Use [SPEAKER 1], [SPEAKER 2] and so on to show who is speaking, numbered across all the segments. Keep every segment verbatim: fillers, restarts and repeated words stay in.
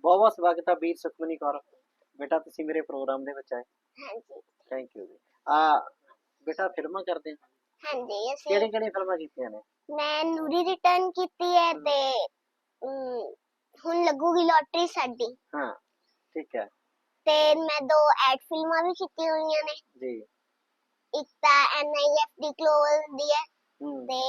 [SPEAKER 1] ਬਹੁਤ ਬਹੁਤ ਸਵਾਗਤ ਹੈ ਵੀਰ ਸੁਖਮਨੀ ਕੌਰ ਬੇਟਾ, ਤੁਸੀਂ ਮੇਰੇ ਪ੍ਰੋਗਰਾਮ ਦੇ ਵਿੱਚ ਆਏ।
[SPEAKER 2] ਹਾਂਜੀ
[SPEAKER 1] ਥੈਂਕ ਯੂ ਜੀ। ਆ ਬੇਟਾ ਫਿਲਮਾਂ ਕਰਦੇ ਹੋ?
[SPEAKER 2] ਹਾਂਜੀ ਅਸੀਂ
[SPEAKER 1] ਕਿਹੜੀ ਕਿਹੜੀ ਫਿਲਮਾਂ ਕੀਤੀਆਂ ਨੇ?
[SPEAKER 2] ਮੈਂ ਨੂਰੀ ਰਿਟਰਨ ਕੀਤੀ ਹੈ
[SPEAKER 1] ਹਮ,
[SPEAKER 2] ਤੇ ਅਮ, ਹੁਣ ਲੱਗੂਗੀ ਲੋਟਰੀ ਸਾਡੀ।
[SPEAKER 1] ਹਾਂ ਠੀਕ ਹੈ
[SPEAKER 2] ਤੇ ਮੈਂ ਦੋ ਐਡ ਫਿਲਮਾਂ ਵੀ ਕੀਤੀਆਂ ਹੋਈਆਂ ਨੇ।
[SPEAKER 1] ਜੀ।
[SPEAKER 2] ਇੱਕ ਤਾਂ N I F D clover ਦੀ ਹੈ
[SPEAKER 1] ਹੂੰ
[SPEAKER 2] ਤੇ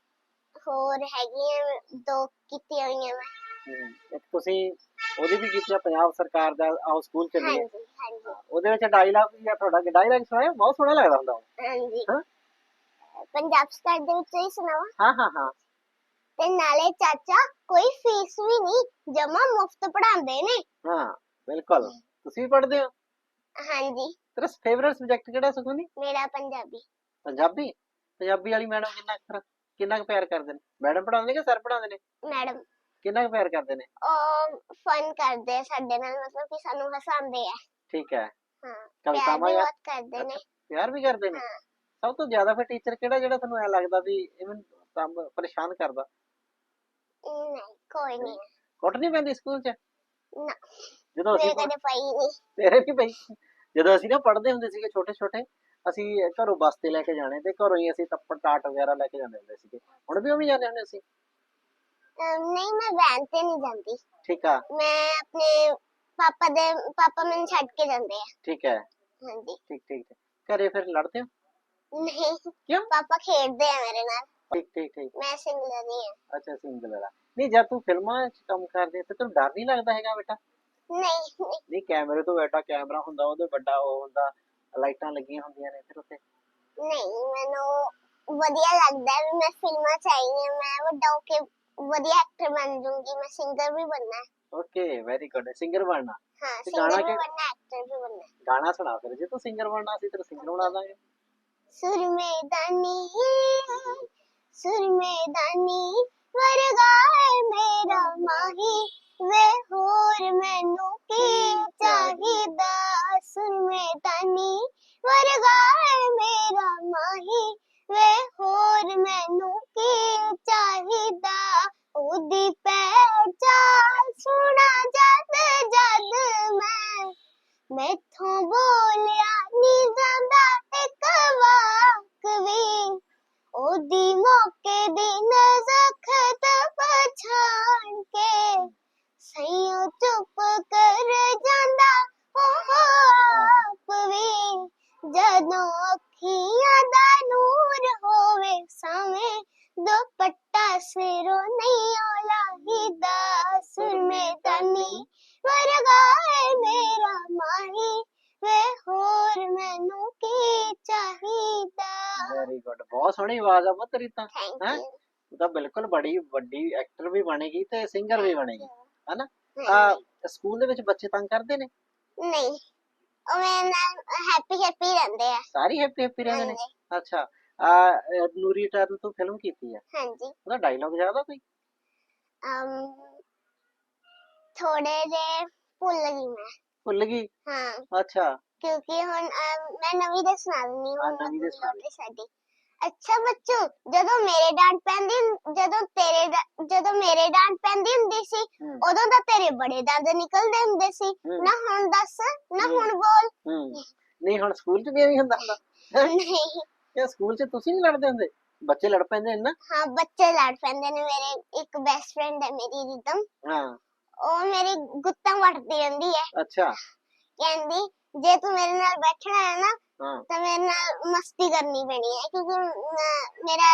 [SPEAKER 2] ਹੋਰ ਹੈਗੀਆਂ ਦੋ ਕੀਤੀਆਂ ਹੋਈਆਂ ਮੈਂ।
[SPEAKER 1] ਹੂੰ ਇੱਕ ਤੁਸੀਂ ਉਹਦੀ ਵੀ ਕੀਤੀ ਆ, ਪੰਜਾਬ ਸਰਕਾਰ ਦਾ ਆਓ ਸਕੂਲ ਚੱਲੀਏ।
[SPEAKER 2] ਹਾਂਜੀ ਹਾਂਜੀ
[SPEAKER 1] ਉਹਦੇ ਵਿੱਚ ਡਾਇਲੌਗ ਵੀ ਆ ਤੁਹਾਡਾ, ਡਾਇਲੌਗ ਸੁਣਾਇਆ, ਬਹੁਤ ਸੋਹਣਾ ਲੱਗਦਾ ਹੁੰਦਾ ਉਹ।
[SPEAKER 2] ਹਾਂਜੀ
[SPEAKER 1] ਹਾਂ
[SPEAKER 2] ਪੰਜਾਬ ਸਟਾਰ ਦੇ ਵਿੱਚ ਹੀ ਸੁਣਾਵਾ।
[SPEAKER 1] ਹਾਂ ਹਾਂ ਹਾਂ
[SPEAKER 2] ਤੇ ਨਾਲੇ ਚਾਚਾ ਕੋਈ ਫੀਸ ਵੀ ਨਹੀਂ, ਜਮਾ ਮੁਫਤ ਪੜਾਉਂਦੇ ਨੇ।
[SPEAKER 1] ਹਾਂ ਬਿਲਕੁਲ। ਤੁਸੀਂ ਵੀ ਪੜ੍ਹਦੇ ਹੋ?
[SPEAKER 2] ਹਾਂਜੀ
[SPEAKER 1] ਤੇਰਾ ਫੇਵਰਟ ਸਬਜੈਕਟ ਕਿਹੜਾ ਸੁਖਮਨੀ?
[SPEAKER 2] ਮੇਰਾ ਪੰਜਾਬੀ।
[SPEAKER 1] ਪੰਜਾਬੀ। ਪੰਜਾਬੀ ਵਾਲੀ ਮੈਡਮ ਕਿੰਨਾ ਕੁ ਕਿੰਨਾ ਕੁ ਪਿਆਰ ਕਰਦੇ ਨੇ? ਮੈਡਮ ਪੜਾਉਂਦੇ ਕਿ ਸਰ ਪੜਾਉਂਦੇ ਨੇ?
[SPEAKER 2] ਮੈਡਮ
[SPEAKER 1] ਕਿੰਨਾ ਕੁ ਪਿਆਰ ਕਰਦੇ ਨੇ?
[SPEAKER 2] ਉਹ ਫਨ ਕਰਦੇ ਆ ਸਾਡੇ ਨਾਲ, ਮਤਲਬ ਕਿ ਸਾਨੂੰ ਹਸਾਉਂਦੇ ਆ।
[SPEAKER 1] ਠੀਕ ਹੈ।
[SPEAKER 2] ਹਾਂ ਪਿਆਰ
[SPEAKER 1] ਕਵਿਤਾਵਾਂ
[SPEAKER 2] ਵੀ
[SPEAKER 1] ਯਾਦ
[SPEAKER 2] ਬਹੁਤ ਕਰਦੇ ਨੇ।
[SPEAKER 1] ਪਿਆਰ ਵੀ ਕਰਦੇ ਨੇ?
[SPEAKER 2] ਹਾਂ
[SPEAKER 1] ਸਭ ਤੋਂ ਜ਼ਿਆਦਾ ਫਿਰ ਟੀਚਰ ਕਿਹੜਾ ਜਿਹੜਾ ਤੁਹਾਨੂੰ ਐ ਲੱਗਦਾ ਵੀ ਇਹ ਮੈਨੂੰ ਕੰਮ ਪਰੇਸ਼ਾਨ ਕਰਦਾ?
[SPEAKER 2] ਨਹੀਂ ਕੋਈ ਨਹੀਂ
[SPEAKER 1] ਕੁੱਟ ਨਹੀਂ ਪੈਂਦੀ ਸਕੂਲ 'ਚ
[SPEAKER 2] ਨਾ,
[SPEAKER 1] ਜਦੋਂ ਅਸੀਂ
[SPEAKER 2] ਮੇਰੇ ਕਦੇ ਪਈ ਨਹੀਂ।
[SPEAKER 1] ਤੇਰੇ ਵੀ ਪਈ? ਜਦੋਂ ਅਸੀਂ ਨਾ ਪੜ੍ਹਦੇ ਹੁੰਦੇ ਸੀਗੇ ਛੋਟੇ ਛੋਟੇ, ਅਸੀਂ ਘਰੋਂ ਬੱਸ ਤੇ ਲੈ ਕੇ ਜਾਣੇ ਤੇ ਘਰੋਂ ਹੀ ਅਸੀਂ ਤੱਪੜ ਟਾਟ ਵਗੈਰਾ ਲੈ ਕੇ ਜਾਂਦੇ ਹੁੰਦੇ ਸੀਗੇ। ਹੁਣ ਵੀ ਉਵੇਂ ਜਾਂਦੇ ਹੁੰਦੇ ਸੀ?
[SPEAKER 2] ਅਮ, ਨਹੀਂ ਮੈਂ ਵੈਨ ਤੇ ਨਹੀਂ ਜਾਂਦੀ।
[SPEAKER 1] ਠੀਕ ਆ
[SPEAKER 2] ਮੈਂ ਆਪਣੇ ਪਾਪਾ ਦੇ ਪਾਪਾ ਮੈਨੂੰ ਛੱਡ ਕੇ ਜਾਂਦੇ ਆ।
[SPEAKER 1] ਠੀਕ ਹੈ
[SPEAKER 2] ਹਾਂਜੀ
[SPEAKER 1] ਠੀਕ ਠੀਕ ਠੀਕ। ਘਰੇ ਫਿਰ ਲੜਦੇ ਹੋ?
[SPEAKER 2] ਨਹੀਂ
[SPEAKER 1] ਕਿਉਂ?
[SPEAKER 2] ਪਾਪਾ ਖੇਡਦੇ ਆ ਮੇਰੇ ਨਾਲ।
[SPEAKER 1] ਠੀਕ ਠੀਕ ਠੀਕ।
[SPEAKER 2] ਮੈਂ ਸਿੰਗਲ ਨਹੀਂ ਆ।
[SPEAKER 1] ਅੱਛਾ ਸਿੰਗਲ ਵਾਲਾ। ਨਹੀਂ ਜਦ ਤੂੰ ਫਿਲਮਾਂ 'ਚ ਕੰਮ ਕਰਦੀ ਤੇ ਤੈਨੂੰ ਡਰ ਨਹੀਂ ਲੱਗਦਾ ਹੈਗਾ ਬੇਟਾ?
[SPEAKER 2] ਨਹੀਂ ਨਹੀਂ
[SPEAKER 1] ਨਹੀਂ ਕੈਮਰੇ ਤੋਂ ਬੈਠਾ, ਕੈਮਰਾ ਹੁੰਦਾ ਉਹਦੇ ਵੱਡਾ ਉਹ ਹੁੰਦਾ, ਲਾਈਟਾਂ ਲੱਗੀਆਂ ਹੁੰਦੀਆਂ ਨੇ ਫਿਰ ਉੱਤੇ।
[SPEAKER 2] ਨਹੀਂ, ਮੈਨੂੰ ਵਧੀਆ ਲੱਗਦਾ ਹੈ ਵੀ ਮੈਂ ਫਿਲਮਾਂ 'ਚ ਆਈ ਹਾਂ। ਮੈਂ ਵੱਡਾ ਹੋ ਕੇ ਵਧੀਆ ਐਕਟਰ ਬਣ ਜਾਊਂਗੀ। ਮੈਂ ਸਿੰਗਰ ਵੀ ਬਣਨਾ ਹੈ।
[SPEAKER 1] Okay very good. ਸਿੰਗਰ ਬਣਨਾ?
[SPEAKER 2] ਹਾਂ
[SPEAKER 1] ਤੇ
[SPEAKER 2] ਸਿੰਗਰ
[SPEAKER 1] ਗਾਣਾ
[SPEAKER 2] ਵੀ
[SPEAKER 1] ਕਿ
[SPEAKER 2] ਬਣਨਾ, ਐਕਟਰ ਵੀ ਬਣਨਾ।
[SPEAKER 1] ਗਾਣਾ ਸੁਣਾ ਫਿਰ, ਜੇ ਤੂੰ ਸਿੰਗਰ ਬਣਨਾ ਅਸੀਂ ਤੈਨੂੰ ਸਿੰਗਰ ਬਣਾ ਦਾਂਗੇ।
[SPEAKER 2] ਸੁਰਮੇਦਾਨੀ ਸੁਰਮੇਦਾਨੀ ਵਰਗਾ ਹੈ ਮੇਰਾ ਮਾਹੀ, ਵੇ ਹੋਰ ਮੈਨੂੰ ਕੀ ਚਾਹੀਦਾ। ਸੁਰਮੇਦਾਨੀ ਵਰਗਾ ਹੈ ਮੇਰਾ ਮਾਹੀ, ਵੇ ਹੋਰ ਮੈਨੂੰ ਕੀ ਚਾਹੀਦਾ। ਉਹਦੀ ਪਹਿਚਾਣ ਸੁਣਾ ਜਦ ਜਦ ਮੈਂ, ਮੈਥੋਂ ਬੋਲਿਆ ਨੀ ਜਾਂਦਾ ਇੱਕ ਵਾਕ ਵੀ। ਉਹਦੀ ਮੌਕੇ ਦੀ ਨਜ਼ਖਤ ਪਛਾਣ ਕੇ ਸਈਓ ਚੁੱਪ ਕਰ ਜਾਂਦਾ ਉਹ ਆਪ ਵੀ। ਜਦੋਂ ਅੱਖੀਆਂ ਦਾ ਨੂਰ ਹੋਵੇ ਸਾਵੇਂ, ਦੁਪੱਟਾ ਸਿਰੋਂ ਨਹੀਂ ਲਾਹੀਦਾ। ਸੁਰਮੇਦਾਨੀ ਵਰਗਾ ਹੈ ਮੇਰਾ ਮਾਹੀ, ਵੇ ਹੋਰ ਮੈਨੂੰ ਕੀ ਚਾਹੀਦਾ।
[SPEAKER 1] Very good. ਬਹੁਤ ਸੋਹਣੀ ਆਵਾਜ਼ ਆ ਪੁੱਤ ਤੇਰੀ ਤਾਂ।
[SPEAKER 2] ਥੈਂਕ
[SPEAKER 1] ਹੈ
[SPEAKER 2] ਯੂ।
[SPEAKER 1] ਤੂੰ ਤਾਂ ਬਿਲਕੁਲ ਬੜੀ ਵੱਡੀ ਐਕਟਰ ਵੀ ਬਣੇਗੀ ਤੇ ਸਿੰਗਰ ਵੀ ਬਣੇਗੀ, ਹਨਾ?
[SPEAKER 2] ਹਾਂਜੀ।
[SPEAKER 1] ਆ ਸਕੂਲ ਦੇ ਵਿੱਚ ਬੱਚੇ ਤੰਗ ਕਰਦੇ ਨੇ?
[SPEAKER 2] ਨਹੀਂ ਉਹ ਮੇਰੇ ਨਾਲ ਹੈਪੀ ਹੈਪੀ ਰਹਿੰਦੇ ਆ।
[SPEAKER 1] ਸਾਰੇ ਹੈਪੀ ਹੈਪੀ ਰਹਿੰਦੇ ਨੇ?
[SPEAKER 2] ਹਾਂਜੀ
[SPEAKER 1] ਅੱਛਾ। ਆ ਨੂਰੀ ਟਰਨ ਤੂੰ ਫਿਲਮ ਕੀਤੀ ਹੈ,
[SPEAKER 2] ਹਾਂਜੀ
[SPEAKER 1] ਉਹਦਾ ਡਾਇਲੌਗ ਯਾਦ ਆ ਕੋਈ?
[SPEAKER 2] ਅਮ ਥੋੜੇ ਜੇ ਭੁੱਲ ਗਈ ਮੈਂ।
[SPEAKER 1] ਭੁੱਲ ਗਈ?
[SPEAKER 2] ਹਾਂ
[SPEAKER 1] ਅੱਛਾ
[SPEAKER 2] ਕਿਉਂਕਿ ਹੁਣ ਅਮ, ਮੈਂ ਨਵੀਂ ਦੇ ਸੁਣਾ ਦਿੰਦੀ
[SPEAKER 1] ਆ
[SPEAKER 2] ਹੁਣ
[SPEAKER 1] ਨਵੀਂ ਦੇ ਸੁਣਾ ਦੇ।
[SPEAKER 2] ਲੋਟਰੀ ਸਾਡੀ। ਅੱਛਾ ਬੱਚੂ, ਜਦੋਂ ਮੇਰੇ ਡਾਂਟ ਪੈਂਦੀ ਹੁੰ- ਜਦੋਂ ਤੇਰੇ ਡਾ- ਜਦੋਂ ਮੇਰੇ ਡਾਂਟ ਪੈਂਦੀ ਹੁੰਦੀ ਸੀ,
[SPEAKER 1] ਹੂੰ
[SPEAKER 2] ਉਦੋਂ ਤਾਂ ਤੇਰੇ ਬੜੇ ਦੰਦ ਨਿਕਲਦੇ ਹੁੰਦੇ ਸੀ।
[SPEAKER 1] ਹੂੰ
[SPEAKER 2] ਨਾ ਹੁਣ ਦੱਸ, ਨਾ
[SPEAKER 1] ਹੂੰ
[SPEAKER 2] ਹੁਣ ਬੋਲ।
[SPEAKER 1] ਹੂੰ। ਨਹੀਂ ਹੁਣ ਸਕੂਲ 'ਚ ਵੀ ਐਵੇਂ ਹੁੰਦਾ ਹੁੰਦਾ? ਹੈਂ?
[SPEAKER 2] ਨਹੀਂ
[SPEAKER 1] ਇਹ ਸਕੂਲ 'ਚ ਤੁਸੀਂ ਨਹੀਂ ਲੜਦੇ ਹੁੰਦੇ? ਬੱਚੇ ਲੜ ਪੈਂਦੇ ਨੇ ਨਾ?
[SPEAKER 2] ਹਾਂ ਬੱਚੇ ਲੜ ਪੈਂਦੇ ਨੇ। ਮੇਰੇ ਇੱਕ ਬੈਸਟ ਫਰੈਂਡ ਹੈ ਮੇਰੀ ਰਿਦਮ,
[SPEAKER 1] ਹਾਂ
[SPEAKER 2] ਉਹ ਮੇਰੀ ਗੁੱਤਾਂ ਵੱਟਦੀ ਰਹਿੰਦੀ ਹੈ।
[SPEAKER 1] ਅੱਛਾ
[SPEAKER 2] ਕਹਿੰਦੀ ਜੇ ਤੂੰ ਮੇਰੇ ਨਾਲ ਬੈਠਣਾ ਹੈ ਨਾ
[SPEAKER 1] ਹਾਂ
[SPEAKER 2] ਤਾਂ ਮੇਰੇ ਨਾਲ ਮਸਤੀ ਕਰਨੀ ਪੈਣੀ ਹੈ, ਕਿਉਂਕਿ ਮੈਂ- ਮੇਰਾ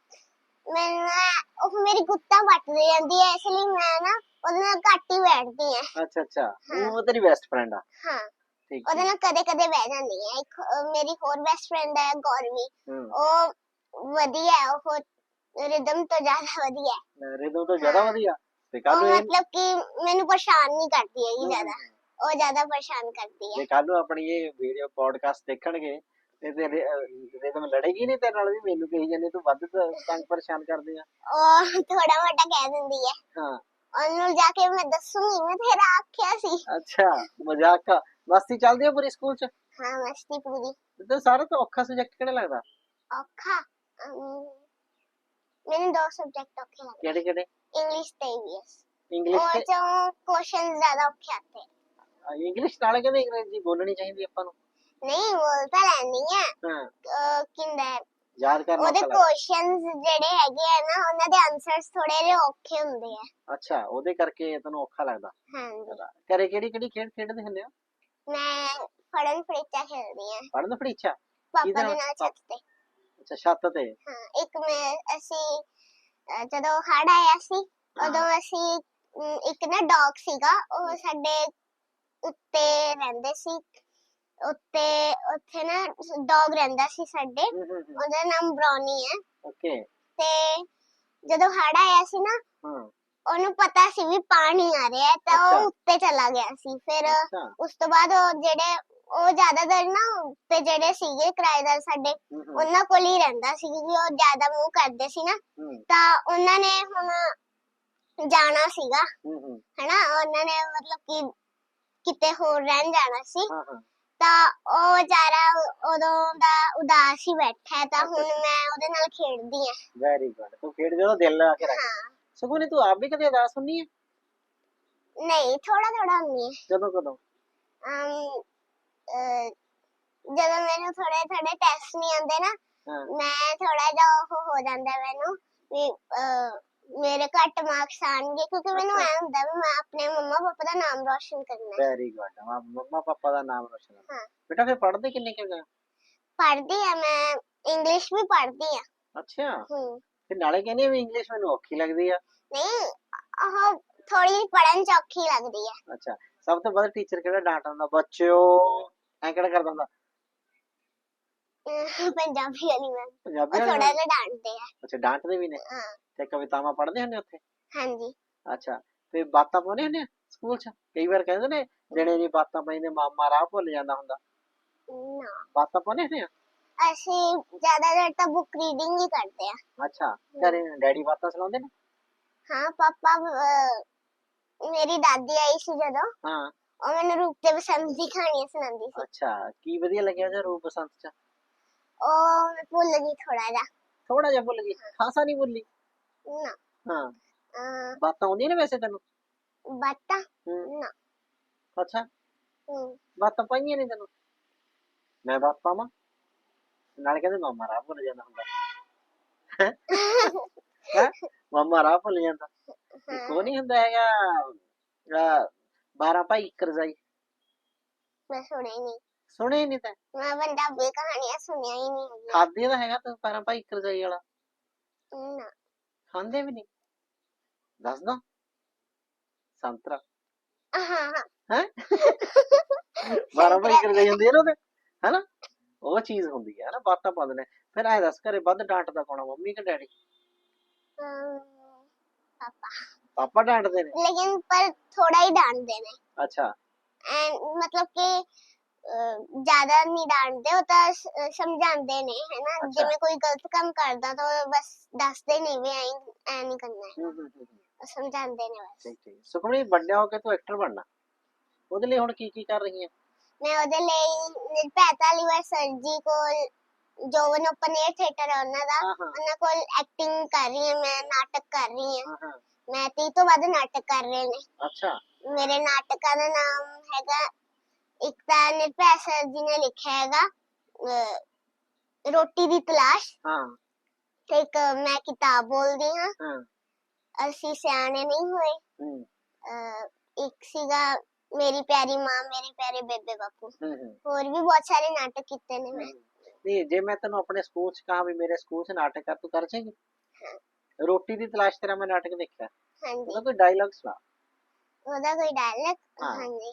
[SPEAKER 2] ਮੈਂ ਉਹ ਮੇਰੀ ਗੁੱਤਾਂ ਵੱਟਦੀ ਰਹਿੰਦੀ ਹੈ, ਇਸ ਲਈ ਮੈਂ ਨਾ ਉਹਦੇ ਨਾਲ ਘੱਟ ਹੀ ਬੈਠਦੀ ਹਾਂ।
[SPEAKER 1] ਅੱਛਾ ਅੱਛਾ।
[SPEAKER 2] ਹਾਂ।
[SPEAKER 1] ਉਹ ਤੇਰੀ ਬੈਸਟ ਫਰੈਂਡ ਆ?
[SPEAKER 2] ਹਾਂ
[SPEAKER 1] ਠੀਕ
[SPEAKER 2] ਉਹਦੇ
[SPEAKER 1] ਠੀਕ।
[SPEAKER 2] ਨਾਲ ਕਦੇ ਕਦੇ ਬਹਿ ਜਾਂਦੀ ਹੈ। ਇੱਕ ਅਹ, ਮੇਰੀ ਹੋਰ ਬੈਸਟ ਫਰੈਂਡ ਹੈ ਗੌਰਵੀ,
[SPEAKER 1] ਹੂੰ
[SPEAKER 2] ਉਹ ਵਧੀਆ ਹੈ, ਉਹ ਰਿਦਮ ਤੋਂ ਜ਼ਿਆਦਾ ਵਧੀਆ ਹੈ।
[SPEAKER 1] ਰਿਦਮ ਤੋਂ ਜ਼ਿਆਦਾ
[SPEAKER 2] ਹਾਂ
[SPEAKER 1] ਵਧੀਆ? ਤੇ ਕੱਲ
[SPEAKER 2] ਉਹ
[SPEAKER 1] ਨੂੰ ਇਹ
[SPEAKER 2] ਮਤਲਬ ਕਿ ਮੈਨੂੰ ਪਰੇਸ਼ਾਨ ਨਹੀਂ ਕਰਦੀ ਹੈਗੀ
[SPEAKER 1] ਹੂੰ,
[SPEAKER 2] ਜ਼ਿਆਦਾ,
[SPEAKER 1] ਹੂੰ,
[SPEAKER 2] ਉਹ ਜ਼ਿਆਦਾ ਪਰੇਸ਼ਾਨ ਕਰਦੀ ਹੈ।
[SPEAKER 1] ਜੇ ਕੱਲ ਨੂੰ ਆਪਣੀ ਇਹ ਵੀਡੀਓ ਪੋਡਕਾਸਟ ਦੇਖਣਗੇ ਤੇ ਤੇ ਰਿਦਮ ਲੜੇਗੀ ਨਹੀਂ ਤੇਰੇ ਨਾਲ ਵੀ, ਮੈਨੂੰ ਕਹੀ ਜਾਂਦੇ ਤੂੰ ਵੱਧ ਤ- ਤੰਗ ਪਰੇਸ਼ਾਨ ਕਰਦੇ ਆ?
[SPEAKER 2] ਉਹ ਥੋੜਾ ਮੋਟਾ ਕਹਿ ਦਿੰਦੀ ਹੈ,
[SPEAKER 1] ਹਾਂ
[SPEAKER 2] ਉਹਨੂੰ ਜਾ ਕੇ ਮੈਂ ਦੱਸੂਗੀ ਮੈਂ ਤੇਰਾ ਆਖਿਆ ਸੀ।
[SPEAKER 1] ਅੱਛਾ ਮਜ਼ਾਕ ਆ। ਮਸਤੀ ਚੱਲਦੀ ਆ ਪੂਰੀ ਸਕੂਲ 'ਚ?
[SPEAKER 2] ਹਾਂ ਮਸਤੀ ਪੂਰੀ।
[SPEAKER 1] ਤੇ ਸਾਰਾ ਤੋਂ ਔਖਾ ਸਬਜੈਕਟ ਕਿਹੜਾ ਲੱਗਦਾ?
[SPEAKER 2] ਔਖਾ ਅਮ, ਮੈਨੂੰ ਦੋ ਸਬਜੈਕਟ ਔਖੇ ਲੱਗਦੇ,
[SPEAKER 1] ਕਿਹੜੇ ਕਿਹੜੇ?
[SPEAKER 2] ਇੰਗਲਿਸ਼ ਤੇ ਈਵੀਐਸ।
[SPEAKER 1] ਇੰਗਲਿਸ਼
[SPEAKER 2] ਉਹ
[SPEAKER 1] ਤੇ
[SPEAKER 2] ਚੋਂ ਕੁਐਸਚਨ ਜ਼ਿਆਦਾ ਔਖੇ ਆਤੇ।
[SPEAKER 1] ਇੰਗਲਿਸ਼ ਨਾਲੇ ਕਹਿੰਦੇ ਅੰਗਰੇਜ਼ੀ ਬੋਲਣੀ ਚਾਹੀਦੀ ਆਪਾਂ ਨੂੰ।
[SPEAKER 2] ਨਹੀਂ ਬੋਲ ਤਾਂ ਲੈਣੀ ਹੈ।
[SPEAKER 1] ਹਾਂ
[SPEAKER 2] ਅਹ ਕਿੰਦਾ
[SPEAKER 1] ਯਾਦ ਕਰਨਾ
[SPEAKER 2] ਉਹਦੇ
[SPEAKER 1] ਔਖਾ ਲੱਗਦਾ।
[SPEAKER 2] ਕੁਐਸਚਨਸ ਜਿਹੜੇ ਹੈਗੇ ਆ ਨਾ ਉਹਨਾਂ ਦੇ ਆਨਸਰਸ ਥੋੜੇ ਜਿਹੇ ਔਖੇ ਹੁੰਦੇ ਆ।
[SPEAKER 1] ਅੱਛਾ ਉਹਦੇ ਕਰਕੇ ਤੈਨੂੰ ਔਖਾ ਲੱਗਦਾ।
[SPEAKER 2] ਹਾਂਜੀ
[SPEAKER 1] ਘਰੇ ਕਿਹੜੀ ਕਿਹੜੀ ਖੇਡ ਖੇਡਦੇ ਹੁੰਦੇ ਹੋ?
[SPEAKER 2] ਮੈਂ ਫੜਨ ਫੜੀਚਾ ਖੇਡਦੀ ਆ
[SPEAKER 1] ਪੜਨ ਫੜੀਚਾ
[SPEAKER 2] ਪਾਪਾ ਦੇ ਨਾਲ ਛੱਤ ਤੇ।
[SPEAKER 1] ਅੱਛਾ ਛੱਤ ਤੇ।
[SPEAKER 2] ਹਾਂ ਇੱਕ ਮੈਂ ਅਸੀਂ ਅਹ ਜਦੋਂ ਹੜ ਆਇਆ ਸੀ ਉਦੋਂ ਅਸੀਂ ਅਮ, ਇੱਕ ਨਾ ਡੌਗ ਸੀਗਾ ਉਹ ਸਾਡੇ ਉੱਤੇ ਰਹਿੰਦੇ ਸੀ। ਉੱਤੇ ਉੱਥੇ ਨਾ ਡੌਗ ਰਹਿੰਦਾ ਸੀ ਸਾਡੇ,
[SPEAKER 1] ਹੂੰ ਹੂੰ ਹੂੰ
[SPEAKER 2] ਉਹਦਾ ਨਾਮ ਬ੍ਰਾਉਨੀ ਹੈ।
[SPEAKER 1] ਓਕੇ।
[SPEAKER 2] ਤੇ ਜਦੋਂ ਹੜ ਆਇਆ ਸੀ ਨਾ
[SPEAKER 1] ਹਾਂ
[SPEAKER 2] ਉਹਨੂੰ ਪਤਾ ਸੀ ਵੀ ਪਾਣੀ ਆ ਰਿਹਾ ਹੈ ਤਾਂ
[SPEAKER 1] ਅੱਛਾ
[SPEAKER 2] ਉਹ ਉੱਤੇ ਚਲਾ ਗਿਆ ਸੀ। ਫਿਰ
[SPEAKER 1] ਅੱਛਾ
[SPEAKER 2] ਉਸ ਤੋਂ ਬਾਅਦ ਉਹ ਜਿਹੜੇ ਉਹ ਜ਼ਿਆਦਾਤਰ ਨਾ ਉੱਤੇ ਜਿਹੜੇ ਸੀਗੇ ਕਿਰਾਏਦਾਰ ਸਾਡੇ
[SPEAKER 1] ਹੂੰ ਹੂੰ
[SPEAKER 2] ਉਹਨਾਂ ਕੋਲ ਹੀ ਰਹਿੰਦਾ ਸੀ ਕਿਉਂਕਿ ਉਹ ਜ਼ਿਆਦਾ ਮੂੰਹ ਕਰਦੇ ਸੀ ਨਾ।
[SPEAKER 1] ਹੂੰ
[SPEAKER 2] ਤਾਂ ਉਹਨਾਂ ਨੇ ਹੁਣ ਜਾਣਾ ਸੀਗਾ
[SPEAKER 1] ਹੂੰ ਹੂੰ
[SPEAKER 2] ਹਨਾ, ਉਹਨਾਂ ਨੇ ਮਤਲਬ ਕਿ ਕਿਤੇ ਹੋਰ ਰਹਿਣ ਜਾਣਾ ਸੀ।
[SPEAKER 1] ਹਾਂ ਹਾਂ
[SPEAKER 2] ਤਾਂ ਉਹ ਵਿਚਾਰਾ ਉਦੋਂ ਦਾ ਉਦਾਸ ਹੀ ਬੈਠਾ ਹੈ ਤਾਂ
[SPEAKER 1] ਅੱਛਾ,
[SPEAKER 2] ਹੁਣ ਮੈਂ ਉਹਦੇ ਨਾਲ ਖੇਡਦੀ ਆ।
[SPEAKER 1] Very good. ਤੂੰ ਖੇਡ ਜਦੋਂ ਦਿਲ ਲਾ ਕੇ ਰੱਖ।
[SPEAKER 2] ਹਾਂ
[SPEAKER 1] ਸਗੋਂ ਨੇ ਤੂੰ ਆਪ ਵੀ ਕਦੇ ਉਦਾਸ ਹੁੰਨੀ ਹੈ?
[SPEAKER 2] ਨਹੀਂ ਥੋੜਾ ਥੋੜਾ ਹੁੰਦੀ ਹੈ।
[SPEAKER 1] ਕਦੋਂ ਕਦੋਂ?
[SPEAKER 2] ਅਮ, ਅਹ, ਜਦੋਂ ਮੈਨੂੰ ਥੋੜੇ ਥੋੜੇ ਟੈਸਟ ਨਹੀਂ ਆਉਂਦੇ ਨਾ
[SPEAKER 1] ਹਾਂ
[SPEAKER 2] ਮੈਂ ਥੋੜਾ ਜਿਹਾ ਉਹ ਹੋ ਜਾਂਦਾ ਮੈਨੂੰ ਵੀ ਅਹ, ਮੇਰੇ ਘੱਟ ਮਾਰਕਸ ਆਣਗੇ ਕਿਉਂਕਿ ਮੈਨੂੰ ਐ ਹੁੰਦਾ ਵੀ ਮੈਂ ਆਪਣੇ ਮੰਮਾ ਪਾਪਾ ਦਾ ਨਾਮ ਰੋਸ਼ਨ ਕਰਨਾ ਹੈ।
[SPEAKER 1] Very good. ਮੰਮਾ ਪਾਪਾ ਦਾ ਨਾਮ ਰੋਸ਼ਨ ਕਰਨਾ।
[SPEAKER 2] ਹਾਂ
[SPEAKER 1] ਬੇਟਾ ਫਿਰ ਪੜ੍ਹਦੇ ਕਿੰਨੇ ਕਿ ਹੋ?
[SPEAKER 2] ਪੜ੍ਹਦੀ ਆ ਮੈਂ, ਇੰਗਲਿਸ਼ ਵੀ ਪੜ੍ਹਦੀ ਆ।
[SPEAKER 1] ਅੱਛਾ
[SPEAKER 2] ਹੂੰ
[SPEAKER 1] ਫਿਰ ਨਾਲੇ ਕਹਿੰਦੇ ਆ ਵੀ ਇੰਗਲਿਸ਼ ਮੈਨੂੰ ਔਖੀ ਲੱਗਦੀ ਆ।
[SPEAKER 2] ਨਹੀਂ ਉਹ ਥੋੜੀ ਪੜਨ ਚ ਔਖੀ ਲੱਗਦੀ ਹੈ।
[SPEAKER 1] ਅੱਛਾ ਸਭ ਤੋਂ ਵੱਧ ਟੀਚਰ ਕਿਹੜਾ ਡਾਂਟਦਾ ਹੁੰਦਾ ਬੱਚਿਓ ਐ ਕਿਹੜਾ ਕਰਦਾ ਹੁੰਦਾ?
[SPEAKER 2] ਅਹ, ਪੰਜਾਬੀ ਵਾਲੀ ਮੈਮ
[SPEAKER 1] ਪੰਜਾਬੀ
[SPEAKER 2] ਉਹ
[SPEAKER 1] ਵਾਲੇ
[SPEAKER 2] ਥੋੜਾ
[SPEAKER 1] ਨਾਲ?
[SPEAKER 2] ਜਿਹਾ ਡਾਂਟਦੇ ਆ।
[SPEAKER 1] ਅੱਛਾ ਡਾਂਟਦੇ ਵੀ ਨੇ।
[SPEAKER 2] ਹਾਂ
[SPEAKER 1] ਤੇ ਕਵਿਤਾਵਾਂ ਪੜ੍ਹਦੇ ਹੁੰਦੇ ਉੱਥੇ?
[SPEAKER 2] ਹਾਂਜੀ
[SPEAKER 1] ਅੱਛਾ ਤੇ ਬਾਤਾਂ ਪਾਉਂਦੇ ਹੁੰਦੇ ਆ ਸਕੂਲ ਚ? ਕਈ ਵਾਰ ਕਹਿੰਦੇ ਨੇ ਜਿਹੜੇ ਜੀ ਬਾਤਾਂ ਪਾਈਂਦੇ ਮਾਮਾ ਰਾਹ ਭੁੱਲ ਜਾਂਦਾ ਹੁੰਦਾ।
[SPEAKER 2] ਨਾ
[SPEAKER 1] ਬਾਤਾਂ ਪਾਉਂਦੇ ਹੁੰਦੇ ਆ?
[SPEAKER 2] ਅਸੀਂ ਜ਼ਿਆਦਾਤਰ ਤਾਂ ਬੁੱਕ ਰੀਡਿੰਗ ਹੀ ਕਰਦੇ ਆ।
[SPEAKER 1] ਅੱਛਾ ਘਰੇ ਡੈਡੀ ਬਾਤਾਂ ਸੁਣਾਉਂਦੇ ਨੇ?
[SPEAKER 2] ਹਾਂ ਪਾਪਾ ਅਹ, ਮੇਰੀ ਦਾਦੀ ਆਈ ਸੀ ਜਦੋਂ
[SPEAKER 1] ਹਾਂ
[SPEAKER 2] ਉਹ ਮੈਨੂੰ ਰੂਪ ਤੇ ਬਸੰਤ ਦੀ ਕਹਾਣੀਆਂ ਸੁਣਾਉਂਦੀ ਸੀ।
[SPEAKER 1] ਅੱਛਾ ਕੀ ਵਧੀਆ ਲੱਗਿਆ ਜਾਂ ਰੂਪ ਬਸੰਤ ਚ?
[SPEAKER 2] ਉਹ ਮੈਂ ਭੁੱਲ ਗਈ ਥੋੜਾ ਜਿਹਾ।
[SPEAKER 1] ਥੋੜਾ ਜਿਹਾ ਭੁੱਲ ਗਈ, ਖਾਸਾ ਨਹੀਂ ਭੁੱਲੀ?
[SPEAKER 2] ਨਾ
[SPEAKER 1] ਹਾਂ
[SPEAKER 2] ਅਹ,
[SPEAKER 1] ਬਾਤਾਂ ਆਉਂਦੀਆਂ ਨੇ ਵੈਸੇ ਤੈਨੂੰ?
[SPEAKER 2] ਬਾਤਾਂ
[SPEAKER 1] ਹੂੰ
[SPEAKER 2] ਨਾ
[SPEAKER 1] ਅੱਛਾ
[SPEAKER 2] ਹੂੰ
[SPEAKER 1] ਬਾਤਾਂ ਪਾਈਆਂ ਨਹੀਂ ਤੈਨੂੰ? ਮੈਂ ਬਾਤ ਪਾਵਾਂ? ਨਾਲੇ ਕਹਿੰਦੇ ਮਾਮਾ ਰਾਹ ਭੁੱਲ ਜਾਂਦਾ ਹੁੰਦਾ। ਹੈ ਮਾਮਾ ਰਾਹ ਭੁੱਲ ਜਾਂਦਾ। ਇੱਕ ਉਹ ਨਹੀਂ ਹੁੰਦਾ ਹੈਗਾ ਅਹ, ਬਾਰਾਂ ਭਾਈ ਇੱਕ ਰਜਾਈ?
[SPEAKER 2] ਮੈਂ ਸੁਣਿਆ ਹੀ ਨਹੀਂ।
[SPEAKER 1] ਸੁਣੇ ਨਹੀਂ ਤਾਂ
[SPEAKER 2] ਮੈਂ ਪੰਜਾਬੀ ਕਹਾਣੀਆਂ ਸੁਣਿਆ ਹੀ ਨਹੀਂ ਹੈਗੀਆਂ।
[SPEAKER 1] ਖਾਦੇ ਤਾਂ ਹੈਗਾ ਤੂੰ ਬਾਰਾਂ ਭਾਈ ਇੱਕ ਰਜਾਈ ਵਾਲਾ?
[SPEAKER 2] ਨਾ
[SPEAKER 1] ਖਾਂਦੇ ਵੀ ਨਹੀਂ? ਦੱਸ ਦੋ ਸੰਤਰਾ
[SPEAKER 2] ਹਾਂ ਹਾਂ
[SPEAKER 1] ਹੈ ਬਾਰਾਂ ਭਾਈ ਇੱਕ ਰਜਾਈ ਹੁੰਦੀ ਹੈ ਨਾ ਉਹਦੇ ਹੈਨਾ ਉਹ ਚੀਜ਼ ਹੁੰਦੀ ਹੈ ਨਾ ਬਾਤਾਂ ਪਾਉਂਦੇ ਨੇ। ਫਿਰ ਐ ਦੱਸ ਘਰੇ ਵੱਧ ਡਾਂਟਦਾ ਕੌਣ ਆ ਮੰਮੀ ਕਿ ਡੈਡੀ?
[SPEAKER 2] ਅਮ, ਪਾਪਾ
[SPEAKER 1] ਪਾਪਾ ਡਾਂਟਦੇ ਨੇ?
[SPEAKER 2] लेकिन पर थोड़ा ही डांटते ने
[SPEAKER 1] ਅੱਛਾ
[SPEAKER 2] एंड मतलब कि अ, ज्यादा नहीं डांटते वो तो स- समझाते ने है ना।
[SPEAKER 1] अच्छा।
[SPEAKER 2] जिਵੇਂ कोई गलत काम करदा तो बस दसदे नहीं भी ऐ ऐ नहीं करना है,
[SPEAKER 1] ਹੂੰ ਹੂੰ ਹੂੰ ਹੂੰ,
[SPEAKER 2] वो समझाते ने बस।
[SPEAKER 1] ਠੀਕ ਠੀਕ। ਸੁਖਮਣੀ ਵੱਡਿਆ ਹੋ ਕੇ ਤੂੰ ਐਕਟਰ ਬਣਨਾ ਉਹਦੇ ਲਈ ਹੁਣ ਕੀ ਕੀ ਕਰ ਰਹੀ ਹੈ?
[SPEAKER 2] मैं ਉਹਦੇ ਲਈ ਨਿਰਭੈਤਾ ਲਿਵਰ ਸਰ ਜੀ ਕੋਲ ਜੋਵਨ ਓਪਨ 에ਅਰ ਥੀਏਟਰ ਹੈ ਉਹਨਾਂ ਦਾ
[SPEAKER 1] ਹਾਂ ਹਾਂ
[SPEAKER 2] ਉਹਨਾਂ ਕੋਲ ਐਕਟਿੰਗ ਕਰ ਰਹੀ ਹਾਂ ਮੈਂ, ਨਾਟਕ ਕਰ ਰਹੀ ਹਾਂ
[SPEAKER 1] ਹਾਂ ਹਾਂ
[SPEAKER 2] ਮੈਂ। ਤੀਹ ਤੋਂ ਵੱਧ ਨਾਟਕ ਕਰ ਰਹੇ ਨੇ
[SPEAKER 1] ਅੱਛਾ
[SPEAKER 2] ਮੇਰੇ। ਨਾਟਕਾਂ ਦਾ ਨਾਮ ਹੈਗਾ ਇੱਕ ਤਾਂ ਨਿਰਭੈ ਸਰ ਜੀ ਨੇ ਲਿਖਿਆ ਹੈਗਾ ਅਹ, ਰੋਟੀ ਦੀ ਤਲਾਸ਼
[SPEAKER 1] ਹਾਂ
[SPEAKER 2] ਤੇ ਇੱਕ ਮੈਂ ਕਿਤਾਬ ਬੋਲਦੀ ਹਾਂ
[SPEAKER 1] ਹਾਂ
[SPEAKER 2] ਅਸੀਂ ਸਿਆਣੇ ਨਹੀਂ ਹੋਏ।
[SPEAKER 1] ਹੂੰ
[SPEAKER 2] ਅਹ, ਇੱਕ ਸੀਗਾ ਮੇਰੀ ਪਿਆਰੀ ਮਾਂ ਮੇਰੇ ਪਿਆਰੇ ਬੇਬੇ ਬਾਪੂ।
[SPEAKER 1] ਹੂੰ ਹੂੰ
[SPEAKER 2] ਹੋਰ ਵੀ ਬਹੁਤ ਸਾਰੇ ਨਾਟਕ ਕੀਤੇ ਨੇ ਮੈਂ।
[SPEAKER 1] ਹੂੰ। ਨਹੀਂ ਜੇ ਮੈਂ ਤੈਨੂੰ ਆਪਣੇ ਸਕੂਲ ਚ ਕਹਾਂ ਵੀ ਮੇਰੇ ਸਕੂਲ ਚ ਨਾਟਕ ਕਰ ਤੂੰ ਕਰ ਜਾਏਂਗੀ? ਰੋਟੀ ਦੀ ਤਲਾਸ਼ ਤੇਰਾ ਮੈਂ ਨਾਟਕ ਦੇਖਿਆ
[SPEAKER 2] ਹਾਂਜੀ
[SPEAKER 1] ਉਹਦਾ ਕੋਈ ਡਾਇਲੌਗ ਸੁਣਾ।
[SPEAKER 2] ਉਹਦਾ ਕੋਈ ਡਾਇਲੌਗ?
[SPEAKER 1] ਹਾਂ।
[SPEAKER 2] ਹਾਂਜੀ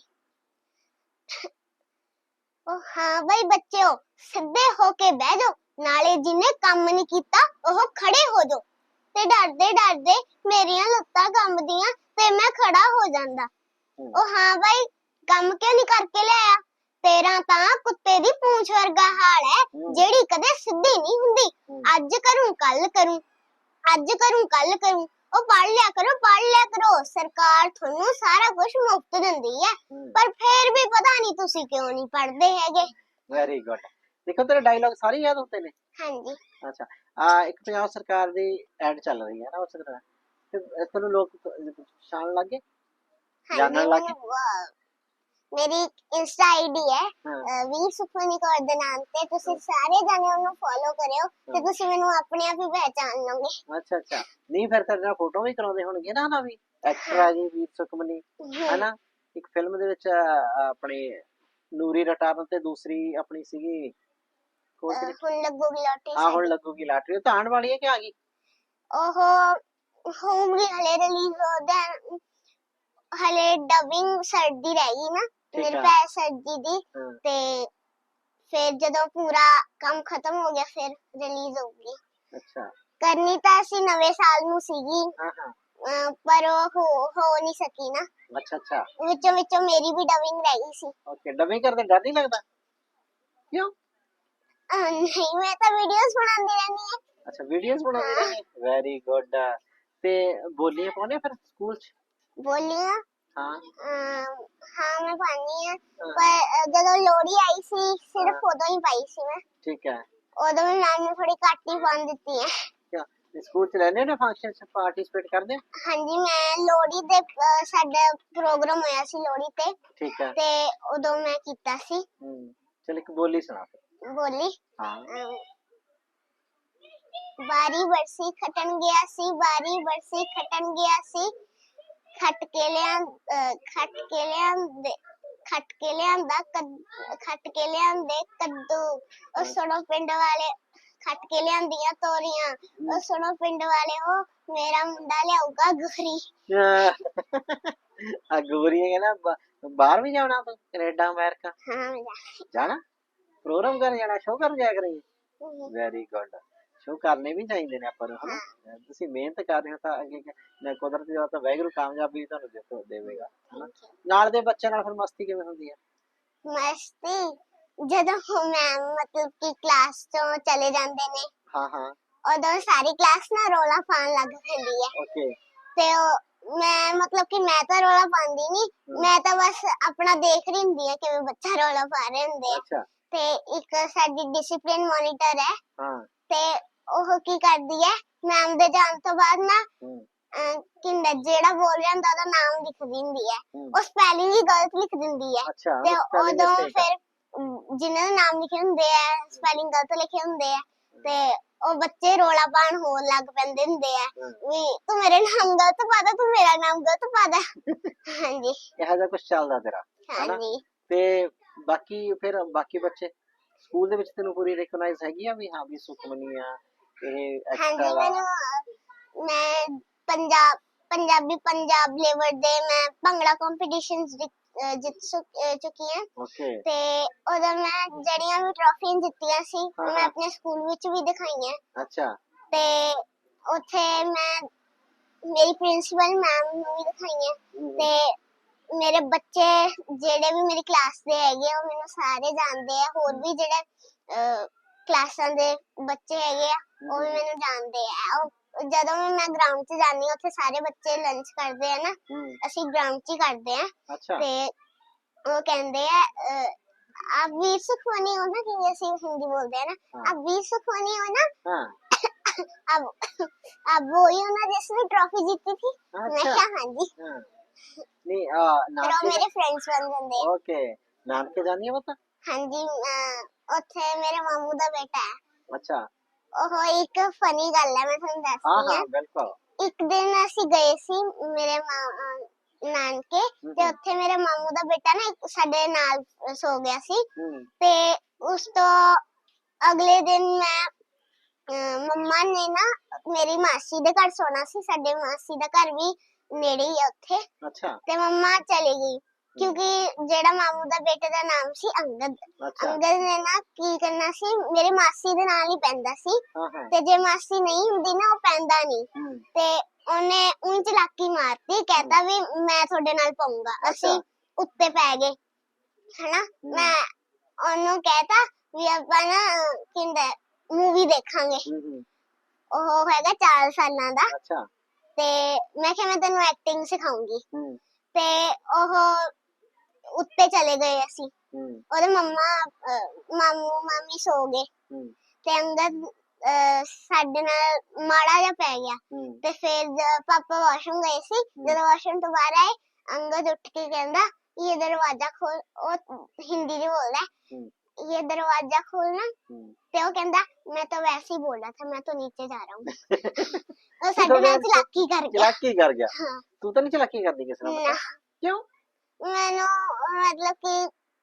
[SPEAKER 2] ਉਹ ਹਾਂ ਬਈ ਬੱਚਿਓ ਸਿੱਧੇ ਹੋ ਕੇ ਬਹਿ ਜਾਓ ਨਾਲੇ ਜਿਹਨੇ ਕੰਮ ਨਹੀਂ ਕੀਤਾ ਉਹ ਖੜੇ ਹੋ ਜਾਓ। ਤੇ ਡਰਦੇ ਡਰਦੇ ਮੇਰੀਆਂ ਲੱਤਾਂ ਕੰਬਦੀਆਂ ਤੇ ਮੈਂ ਖੜਾ ਹੋ ਜਾਂਦਾ।
[SPEAKER 1] ਹੂੰ
[SPEAKER 2] ਉਹ ਹਾਂ ਬਈ ਕੰਮ ਕਿਉਂ ਨਹੀਂ ਕਰਕੇ ਲਿਆਇਆ? ਤੇਰਾ ਤਾਂ ਕੁੱਤੇ ਦੀ ਪੂੰਛ ਵਰਗਾ ਹਾਲ ਹੈ
[SPEAKER 1] ਹੂੰ
[SPEAKER 2] ਜਿਹੜੀ ਕਦੇ ਸਿੱਧੀ ਨਹੀਂ ਹੁੰਦੀ।
[SPEAKER 1] ਹੂੰ
[SPEAKER 2] ਅੱਜ ਕਰੂੰ ਕੱਲ ਕਰੂੰ ਅੱਜ ਕਰੂੰ ਕੱਲ ਕਰੂੰ। ਉਹ ਪੜ੍ਹ ਲਿਆ ਕਰੋ ਪੜ੍ਹ ਲਿਆ ਕਰੋ ਸਰਕਾਰ ਤੁਹਾਨੂੰ ਸਾਰਾ ਕੁਝ ਮੁਫਤ ਦਿੰਦੀ ਹੈ
[SPEAKER 1] ਹੂੰ
[SPEAKER 2] ਪਰ ਫੇਰ ਵੀ ਪਤਾ ਨਹੀਂ ਤੁਸੀਂ ਕਿਉਂ ਨਹੀਂ ਪੜ੍ਹਦੇ ਹੈਗੇ।
[SPEAKER 1] Very good. ਦੇਖੋ ਤੇਰੇ ਡਾਇਲੌਗ ਸਾਰੇ ਯਾਦ ਹੁੰਦੇ ਨੇ?
[SPEAKER 2] ਹਾਂਜੀ
[SPEAKER 1] ਅੱਛਾ ਆ ਇੱਕ ਪੰਜਾਬ ਸਰਕਾਰ ਦੀ ਐਡ ਚੱਲ ਰਹੀ ਹੈ ਨਾ ਉਸ ਤਰ੍ਹਾਂ ਫਿਰ ਤੈਨੂੰ ਲੋਕ ਪਛਾਣ ਲੱਗ ਗਏ,
[SPEAKER 2] हाँ
[SPEAKER 1] जानने
[SPEAKER 2] जी,
[SPEAKER 1] लगे?
[SPEAKER 2] मैंने वो- मेरी इंस्टा आईडी है
[SPEAKER 1] हाँ
[SPEAKER 2] ਅਹ ਵੀਰ ਸੁਖਮਨੀ ਕੌਰ ਦੇ ਨਾਮ ਤੇ ਤੁਸੀਂ ਸਾਰੇ ਜਾਣੇ ਉਹਨੂੰ ਫੋਲੋ ਕਰਿਓ ਤੇ ਤੁਸੀਂ ਮੈਨੂੰ ਆਪਣੇ ਆਪ ਹੀ ਪਹਿਚਾਨ ਲਓਗੇ।
[SPEAKER 1] ਅੱਛਾ ਅੱਛਾ, ਨਹੀਂ ਫਿਰ ਤੇਰੇ ਨਾਲ ਫੋਟੋ ਵੀ ਕਰਾਉਂਦੇ ਹੋਣਗੇ ਨਾ ਨਾ ਵੀ ਐਕਟਰ ਆ ਜੀ ਵੀਰ ਸੁਖਮਨੀ ਹਨਾ। ਇੱਕ ਫਿਲਮ ਦੇ ਵਿੱਚ ਅਹ, ਆਪਣੀ ਨੂਰੀ ਰਟਾਰਨ ਤੇ ਦੂਸਰੀ ਆਪਣੀ ਸੀਗੀ ਕੌਣ ਸੀ?
[SPEAKER 2] ਹੁਣ ਲੱਗੂਗੀ ਲੋਟੀ
[SPEAKER 1] ਹਾਂ ਹੁਣ
[SPEAKER 2] ਸਾਡੀ।
[SPEAKER 1] ਲੱਗੂਗੀ ਲਾਟਰੀ, ਉਹ ਤਾਂ ਆਉਣ ਵਾਲੀ ਹੈ ਕਿ ਆ ਗਈ?
[SPEAKER 2] ਉਹ ਹੋਊਗੀ ਹਲੇ ਰਿਲੀਜ਼ ਉਹਦਾ ਹਲੇ ਡਬਿੰਗ ਸਰਦੀ ਰਹਿ ਗਈ ਨਾ
[SPEAKER 1] ਠੀਕ
[SPEAKER 2] ਮੇਰੇ
[SPEAKER 1] ਆ।
[SPEAKER 2] ਪੈ ਸਰਦੀ ਦੀ
[SPEAKER 1] ਹਾਂ
[SPEAKER 2] ਤੇ ਫਿਰ ਜਦੋਂ ਪੂਰਾ ਕੰਮ ਖਤਮ ਹੋ ਗਿਆ ਫਿਰ ਰਿਲੀਜ਼ ਹੋਊਗੀ।
[SPEAKER 1] ਅੱਛਾ
[SPEAKER 2] ਕਰਨੀ ਤਾਂ ਅਸੀਂ ਨਵੇਂ ਸਾਲ ਨੂੰ ਸੀਗੀ
[SPEAKER 1] ਹਾਂ ਹਾਂ
[SPEAKER 2] ਅਹ ਪਰ ਉਹ ਹੋ ਹੋ ਨਹੀਂ ਸਕੀ ਨਾ
[SPEAKER 1] ਅੱਛਾ ਅੱਛਾ
[SPEAKER 2] ਵਿੱਚੋਂ ਵਿੱਚੋਂ ਮੇਰੀ ਵੀ ਡਬਿੰਗ ਰਹਿ ਗਈ ਸੀ।
[SPEAKER 1] ਓਕੇ, ਡਬਿੰਗ ਕਰਦੇ ਡਰ ਨਹੀਂ ਲੱਗਦਾ? ਕਿਉਂ?
[SPEAKER 2] ਅਹ ਨਹੀਂ ਮੈਂ ਤਾਂ ਵੀਡੀਓਜ਼ ਬਣਾਉਂਦੀ ਰਹਿੰਦੀ ਹਾਂ।
[SPEAKER 1] ਅੱਛਾ ਵੀਡੀਓਜ਼ ਬਣਾਉਂਦੇ ਰਹਿੰਦੇ, ਵੈਰੀ ਗੁੱਡ। ਤੇ ਬੋਲੀਆਂ ਪਾਉਂਦੇ ਫਿਰ ਸਕੂਲ ਚ?
[SPEAKER 2] ਬੋਲੀਆਂ
[SPEAKER 1] ਹਾਂ
[SPEAKER 2] ਅਹ ਹਾਂ ਮੈਂ ਪਾਣੀ ਆ
[SPEAKER 1] ਹਾਂ,
[SPEAKER 2] ਪਰ ਅਹ ਜਦੋਂ ਲੋਹੜੀ ਆਈ ਸੀ
[SPEAKER 1] ਹਾਂ।
[SPEAKER 2] ਸਿਰਫ ਉਦੋਂ ਹੀ ਪਾਈ ਸੀ ਮੈਂ।
[SPEAKER 1] ਠੀਕ ਹੈ।
[SPEAKER 2] ਉਦੋਂ ਵੀ ਮੈਮ ਨੇ ਥੋੜੀ ਘੱਟ ਹੀ ਪਾਉਣ ਦਿੱਤੀ ਹੈ।
[SPEAKER 1] ਕਿਆ ਸਕੂਲ ਚ ਰਹਿੰਦੇ ਨੇ ਫੰਕਸ਼ਨ ਚ ਪਾਰਟਿਸਿਪੇਟ ਕਰਦੇ ਹੋ?
[SPEAKER 2] ਹਾਂਜੀ ਮੈਂ ਲੋਹੜੀ ਦੇ ਅਹ ਸਾਡਾ ਪ੍ਰੋਗਰਾਮ ਹੋਇਆ ਸੀ ਲੋਹੜੀ ਤੇ
[SPEAKER 1] ਠੀਕ ਹੈ।
[SPEAKER 2] ਤੇ ਉਦੋਂ ਮੈਂ ਕੀਤਾ ਸੀ।
[SPEAKER 1] ਹੂੰ ਚਲ ਇੱਕ ਬੋਲੀ ਸੁਣਾ ਫਿਰ।
[SPEAKER 2] ਬੋਲੀ
[SPEAKER 1] ਹਾਂ
[SPEAKER 2] ਅਮ, ਬਾਰੀ ਬਰਸੀ ਖਟਣ ਗਿਆ ਸੀ ਬਾਰੀ ਬਰਸੀ ਖਟਣ ਗਿਆ ਸੀ ਖੱਟ ਕੇ ਲਿਆਂ ਅਹ, ਖੱਟ ਕੇ ਲਿਆਂਦੇ ਖੱਟ ਕੇ ਲਿਆਂਦਾ ਕੱਦ- ਖੱਟ ਕੇ ਲਿਆਂਦੇ ਕੱਦੂ ਉਹ ਸੁਣੋ ਪਿੰਡ ਵਾਲੇ ਖੱਟ ਕੇ ਲਿਆਂਦੀਆਂ ਤੋਰੀਆਂ ਉਹ ਸੁਣੋ ਪਿੰਡ ਵਾਲੇ ਉਹ ਮੇਰਾ ਮੁੰਡਾ ਲਿਆਊਗਾ ਗੁਰੀ।
[SPEAKER 1] ਆ ਗੋਰੀਆਂ ਕਹਿੰਦਾ ਬਾ- ਬਾਹਰ ਵੀ ਜਾਣਾ ਤੂੰ, ਕੈਨੇਡਾ ਅਮਰੀਕਾ
[SPEAKER 2] ਹਾਂ ਮੈਂ ਜਾ-
[SPEAKER 1] ਜਾਣਾ? ਪ੍ਰੋਗਰਾਮ ਕਰਨ ਜਾਣਾ, ਸ਼ੋਅ ਕਰਨ ਜਾਇਆ ਕਰੀਏ?
[SPEAKER 2] ਹਮ,
[SPEAKER 1] ਵੈਰੀ ਗੁੱਡ, ਸ਼ੋਅ ਕਰਨੇ ਵੀ ਚਾਹੀਦੇ ਨੇ ਆਪਾਂ ਨੂੰ ਹਨਾ। ਤੁਸੀਂ ਮਿਹਨਤ ਕਰ ਰਹੇ ਹੋ ਤਾਂ ਅੱਗੇ ਮੈਂ ਕੁਦਰਤੀ ਤੌਰ ਤੇ ਵਾਹਿਗੁਰੂ ਕਾਮਯਾਬੀ ਤੁਹਾਨੂੰ ਦੇਖੋ ਦੇਵੇਗਾ ਹਨਾ। ਨਾਲ ਦੇ ਬੱਚਿਆਂ ਨਾਲ ਫਿਰ ਮਸਤੀ ਕਿਵੇਂ ਹੁੰਦੀ ਹੈ?
[SPEAKER 2] ਮਸਤੀ ਜਦੋਂ ਮੈਮ ਮਤਲਬ ਕਿ ਕਲਾਸ ਤੋਂ ਚਲੇ ਜਾਂਦੇ ਨੇ
[SPEAKER 1] ਹਾਂ ਹਾਂ
[SPEAKER 2] ਉਦੋਂ ਸਾਰੀ ਕਲਾਸ ਨਾ ਰੌਲਾ ਪਾਉਣ ਲੱਗ ਪੈਂਦੀ ਹੈ
[SPEAKER 1] ਓਕੇ
[SPEAKER 2] ਤੇ ਉਹ ਮੈਂ ਮਤਲਬ ਕਿ ਮੈਂ ਤਾਂ ਰੌਲਾ ਪਾਉਂਦੀ ਨਹੀਂ ਮੈਂ ਤਾਂ ਬਸ ਆਪਣਾ ਦੇਖ ਰਹੀ ਹੁੰਦੀ ਹਾਂ ਕਿਵੇਂ ਬੱਚਾ ਰੌਲਾ ਪਾ ਰਹੇ ਹੁੰਦੇ ਆ।
[SPEAKER 1] ਅੱਛਾ
[SPEAKER 2] ਤੇ ਇੱਕ ਸਾਡੀ ਡਿਸਪਲਿਨ ਮੋਨੀਟਰ ਹੈ
[SPEAKER 1] ਹਾਂ
[SPEAKER 2] ਤੇ ਉਹ ਕੀ ਕਰਦੀ ਹੈ ਮੈਮ ਦੇ ਜਾਣ ਤੋਂ ਬਾਅਦ ਨਾ
[SPEAKER 1] ਹੂੰ
[SPEAKER 2] ਅਹ, ਕਿੰਦਾ ਜਿਹੜਾ ਬੋਲ ਰਿਹਾ ਹੁੰਦਾ ਉਹਦਾ ਨਾਮ ਲਿਖ ਦਿੰਦੀ ਹੈ
[SPEAKER 1] ਹੂੰ
[SPEAKER 2] ਉਹ ਸਪੈਲਿੰਗ ਹੀ ਗਲਤ ਲਿਖ ਦਿੰਦੀ ਹੈ
[SPEAKER 1] ਅੱਛਾ
[SPEAKER 2] ਤੇ
[SPEAKER 1] spelling
[SPEAKER 2] ਉਦੋਂ
[SPEAKER 1] mistake ਆ।
[SPEAKER 2] ਫਿਰ ਅਮ, ਜਿਨ੍ਹਾਂ ਦੇ ਨਾਮ ਲਿਖੇ ਹੁੰਦੇ ਆ ਸਪੈਲਿੰਗ ਗਲਤ ਲਿਖੇ ਹੁੰਦੇ ਆ ਤੇ ਉਹ ਬੱਚੇ ਰੋਲਾ ਪਾਉਣ ਹੋਣ ਲੱਗ ਪੈਂਦੇ ਹੁੰਦੇ ਆ
[SPEAKER 1] ਹਾਂ।
[SPEAKER 2] ਵੀ ਤੂੰ ਮੇਰੇ ਨਾਮ ਗਲਤ ਪਾਦਾ ਤੂੰ ਮੇਰਾ ਨਾਮ ਗਲਤ ਪਾਦਾ। ਹਾਂਜੀ
[SPEAKER 1] ਇਹੋ ਜਿਹਾ ਕੁਝ ਚੱਲਦਾ ਤੇਰਾ ਹਨਾ।
[SPEAKER 2] ਹਾਂਜੀ
[SPEAKER 1] ਤੇ ਬਾਕੀ ਫਿਰ ਬਾਕੀ ਬੱਚੇ ਸਕੂਲ ਦੇ ਵਿੱਚ ਤੈਨੂੰ ਪੂਰੀ ਰਿਕਗਨਾਈਜ਼ ਹੈਗੀ ਆ ਵੀ ਹਾਂ ਵੀ ਸੁਖਮਨੀ ਆ ਇਹ
[SPEAKER 2] ਹਾਂਜੀ
[SPEAKER 1] ਐਕਸਟਰਾ ਵਾ?
[SPEAKER 2] ਮੈਨੂੰ ਅਹ, ਮੈਂ ਪੰਜਾਬ ਪੰਜਾਬੀ ਪੰਜਾਬ ਲੈਵਲ ਦੇ ਮੈਂ ਭੰਗੜਾ ਕੰਪੀਟੀਸ਼ਨਸ ਜਿੱਤ ਸੁ- ਅਹ ਚੁੱਕੀ ਹਾਂ
[SPEAKER 1] ਓਕੇ
[SPEAKER 2] ਤੇ ਉਦੋਂ ਮੈਂ ਜਿਹੜੀਆਂ ਵੀ ਟਰਾਫੀਆਂ ਜਿੱਤੀਆਂ ਸੀ
[SPEAKER 1] ਹਾਂ,
[SPEAKER 2] ਮੈਂ
[SPEAKER 1] ਹਾਂ।
[SPEAKER 2] ਆਪਣੇ ਸਕੂਲ ਵਿੱਚ ਵੀ ਦਿਖਾਈਆਂ
[SPEAKER 1] ਅੱਛਾ
[SPEAKER 2] ਤੇ ਉੱਥੇ ਮੈਂ ਮੇਰੀ ਪ੍ਰਿੰਸੀਪਲ ਮੈਮ ਨੂੰ ਵੀ ਦਿਖਾਈਆਂ
[SPEAKER 1] ਹੂੰ, ਹੂੰ।
[SPEAKER 2] ਤੇ ਮੇਰੇ ਬੱਚੇ ਜਿਹੜੇ ਵੀ ਮੇਰੀ ਕਲਾਸ ਦੇ ਹੈਗੇ ਆ ਉਹ ਮੈਨੂੰ ਸਾਰੇ ਜਾਣਦੇ ਆ ਹੋਰ ਵੀ ਜਿਹੜੇ ਅਹ, ਕਲਾਸਾਂ ਦੇ ਬੱਚੇ ਹੈਗੇ ਆ ਉਹ ਵੀ ਮੈਨੂੰ ਜਾਣਦੇ ਆ ਉਹ ਜਦੋਂ ਵੀ ਮੈਂ ਗਰਾਊਂਡ 'ਚ ਜਾਂਦੀ ਹਾਂ ਉੱਥੇ ਸਾਰੇ ਬੱਚੇ ਲੰਚ ਕਰਦੇ ਆ ਨਾ
[SPEAKER 1] ਹੂੰ
[SPEAKER 2] ਅਸੀਂ ਗਰਾਊਂਡ 'ਚ ਹੀ ਕਰਦੇ ਆ
[SPEAKER 1] ਅੱਛਾ
[SPEAKER 2] ਤੇ ਉਹ ਕਹਿੰਦੇ ਆ ਅਹ, आप वीर सुखमनी हो ना कि जैसे हिंदी बोलते हैं ना
[SPEAKER 1] हाँ।
[SPEAKER 2] आप वीर सुखमनी हो ना
[SPEAKER 1] ਹਾਂ
[SPEAKER 2] अब अब वही हो ना जिसने ट्रॉफी जीती थी मैं
[SPEAKER 1] ਅੱਛਾ
[SPEAKER 2] क्या हाँ जी
[SPEAKER 1] ਹਾਂ ਨਹੀਂ ਆ
[SPEAKER 2] फिर वो
[SPEAKER 1] ਨਾਨਕੇ
[SPEAKER 2] मेरे फ्रेंड्स बन जाते हैं
[SPEAKER 1] ਓਕੇ ਨਾਨਕੇ ਜਾਨੀ ਆ ਪਤਾ?
[SPEAKER 2] हाँ जी अह, ਉੱਥੇ ਮੇਰੇ ਮਾਮੂ ਦਾ ਬੇਟਾ ਹੈ
[SPEAKER 1] ਅੱਛਾ
[SPEAKER 2] ਉਹ ਇੱਕ ਫਨੀ ਗੱਲ ਹੈ ਮੈਂ ਤੁਹਾਨੂੰ
[SPEAKER 1] ਹਾਂ
[SPEAKER 2] ਦੱਸਦੀ
[SPEAKER 1] ਹਾਂ
[SPEAKER 2] ਹਾਂ
[SPEAKER 1] ਬਿਲਕੁਲ
[SPEAKER 2] ਇੱਕ ਦਿਨ ਅਸੀਂ ਗਏ ਸੀ ਮੇਰੇ ਮਾਂ- ਅਹ, ਨਾਨਕੇ ਤੇ ਉੱਥੇ ਮੇਰੇ ਮਾਮੂ ਦਾ ਬੇਟਾ ਨਾ ਇੱਕ ਸਾਡੇ ਨਾਲ ਸੋ ਗਿਆ ਸੀ
[SPEAKER 1] ਹੂੰ
[SPEAKER 2] ਤੇ ਉਸ ਤੋਂ ਅਗਲੇ ਦਿਨ ਮੈਂ ਅਹ, ਮੰਮਾ ਨੇ ਨਾ ਮੇਰੀ ਮਾਸੀ ਦੇ ਘਰ ਸੋਣਾ ਸੀ ਸਾਡੇ ਮਾਸੀ ਦਾ ਘਰ ਵੀ ਨੇੜੇ ਹੀ ਆ ਉੱਥੇ
[SPEAKER 1] ਅੱਛਾ
[SPEAKER 2] ਤੇ ਮੰਮਾ ਚਲੀ ਗਈ ਕਿਉਂਕਿ ਜਿਹੜਾ ਮਾਮੂ ਦਾ ਬੇਟੇ ਦਾ ਨਾਮ ਸੀ ਅੰਗਦ
[SPEAKER 1] ਅੱਛਾ
[SPEAKER 2] ਅੰਗਦ ਨੇ ਨਾ ਕੀ ਕਰਨਾ ਸੀ ਮੇਰੀ ਮਾਸੀ ਦੇ ਨਾਲ ਹੀ ਪੈਂਦਾ ਸੀ
[SPEAKER 1] ਹਾਂ ਹਾਂ
[SPEAKER 2] ਤੇ ਜੇ ਮਾਸੀ ਨਹੀਂ ਹੁੰਦੀ ਨਾ ਉਹ ਪੈਂਦਾ ਨਹੀਂ
[SPEAKER 1] ਹੂੰ
[SPEAKER 2] ਤੇ ਉਹਨੇ ਊਂ ਚਲਾਕੀ ਮਾਰਤੀ ਕਹਿਤਾ ਵੀ ਮੈਂ ਤੁਹਾਡੇ ਨਾਲ ਪਾਉਂਗਾ ਅਸੀਂ
[SPEAKER 1] ਅੱਛਾ।
[SPEAKER 2] ਉੱਤੇ ਪੈ ਗਏ ਹਨਾ ਮੈਂ ਉਹਨੂੰ ਕਹਿਤਾ ਵੀ ਆਪਾਂ ਨਾ ਕਿੰਦਾ ਮੂਵੀ ਦੇਖਾਂਗੇ
[SPEAKER 1] ਹੂੰ ਹੂੰ
[SPEAKER 2] ਉਹ ਹੈਗਾ ਚਾਰ ਸਾਲਾਂ ਦਾ
[SPEAKER 1] ਅੱਛਾ
[SPEAKER 2] ਤੇ ਮੈਂ ਕਿਹਾ ਮੈਂ ਤੈਨੂੰ ਐਕਟਿੰਗ ਸਿਖਾਉਂਗੀ
[SPEAKER 1] ਹੂੰ
[SPEAKER 2] ਤੇ ਉਹ ਉੱਤੇ ਚਲੇ ਗਏ ਅਸੀਂ
[SPEAKER 1] ਹੂੰ
[SPEAKER 2] ਉਹਦੇ ਮੰਮਾ ਅਹ, ਮਾਮੂ ਮਾਮੀ ਸੋ ਗਏ
[SPEAKER 1] ਹੂੰ
[SPEAKER 2] ਤੇ ਅੰਗਦ ਅਹ, ਸਾਡੇ ਨਾਲ ਮਾੜਾ ਜਿਹਾ ਪੈ ਗਿਆ
[SPEAKER 1] ਹੂੰ
[SPEAKER 2] ਤੇ ਫਿਰ ਜ- ਪਾਪਾ ਵਾਸ਼ਰੂਮ ਗਏ ਸੀ। ਜਦੋਂ ਵਾਸ਼ਰੂਮ ਤੋਂ ਬਾਹਰ ਆਏ, ਅੰਗਦ ਉੱਠ ਕੇ ਕਹਿੰਦਾ ਇਹ ਦਰਵਾਜ਼ਾ ਖੋਲ। ਉਹ ਹਿੰਦੀ ਚ ਬੋਲਦਾ
[SPEAKER 1] ਹੂੰ
[SPEAKER 2] ये दरवाजा खोलना।
[SPEAKER 1] ਹੂੰ
[SPEAKER 2] ਤੇ ਉਹ ਕਹਿੰਦਾ मैं तो वैसे ही बोल रहा था, मैं तो नीचे जा रहा हूँ। ਉਹ
[SPEAKER 1] तो
[SPEAKER 2] ਸਾਡੇ ਨਾਲ
[SPEAKER 1] फिर
[SPEAKER 2] ਚਲਾਕੀ ਕਰ ਗਿਆ।
[SPEAKER 1] चलाकी कर गया।
[SPEAKER 2] ਹਾਂ
[SPEAKER 1] तू तो नहीं चलाकी करती किसी ने
[SPEAKER 2] ਨਾ
[SPEAKER 1] क्यों?
[SPEAKER 2] ਮੈਨੂੰ ਮਤਲਬ ਕਿ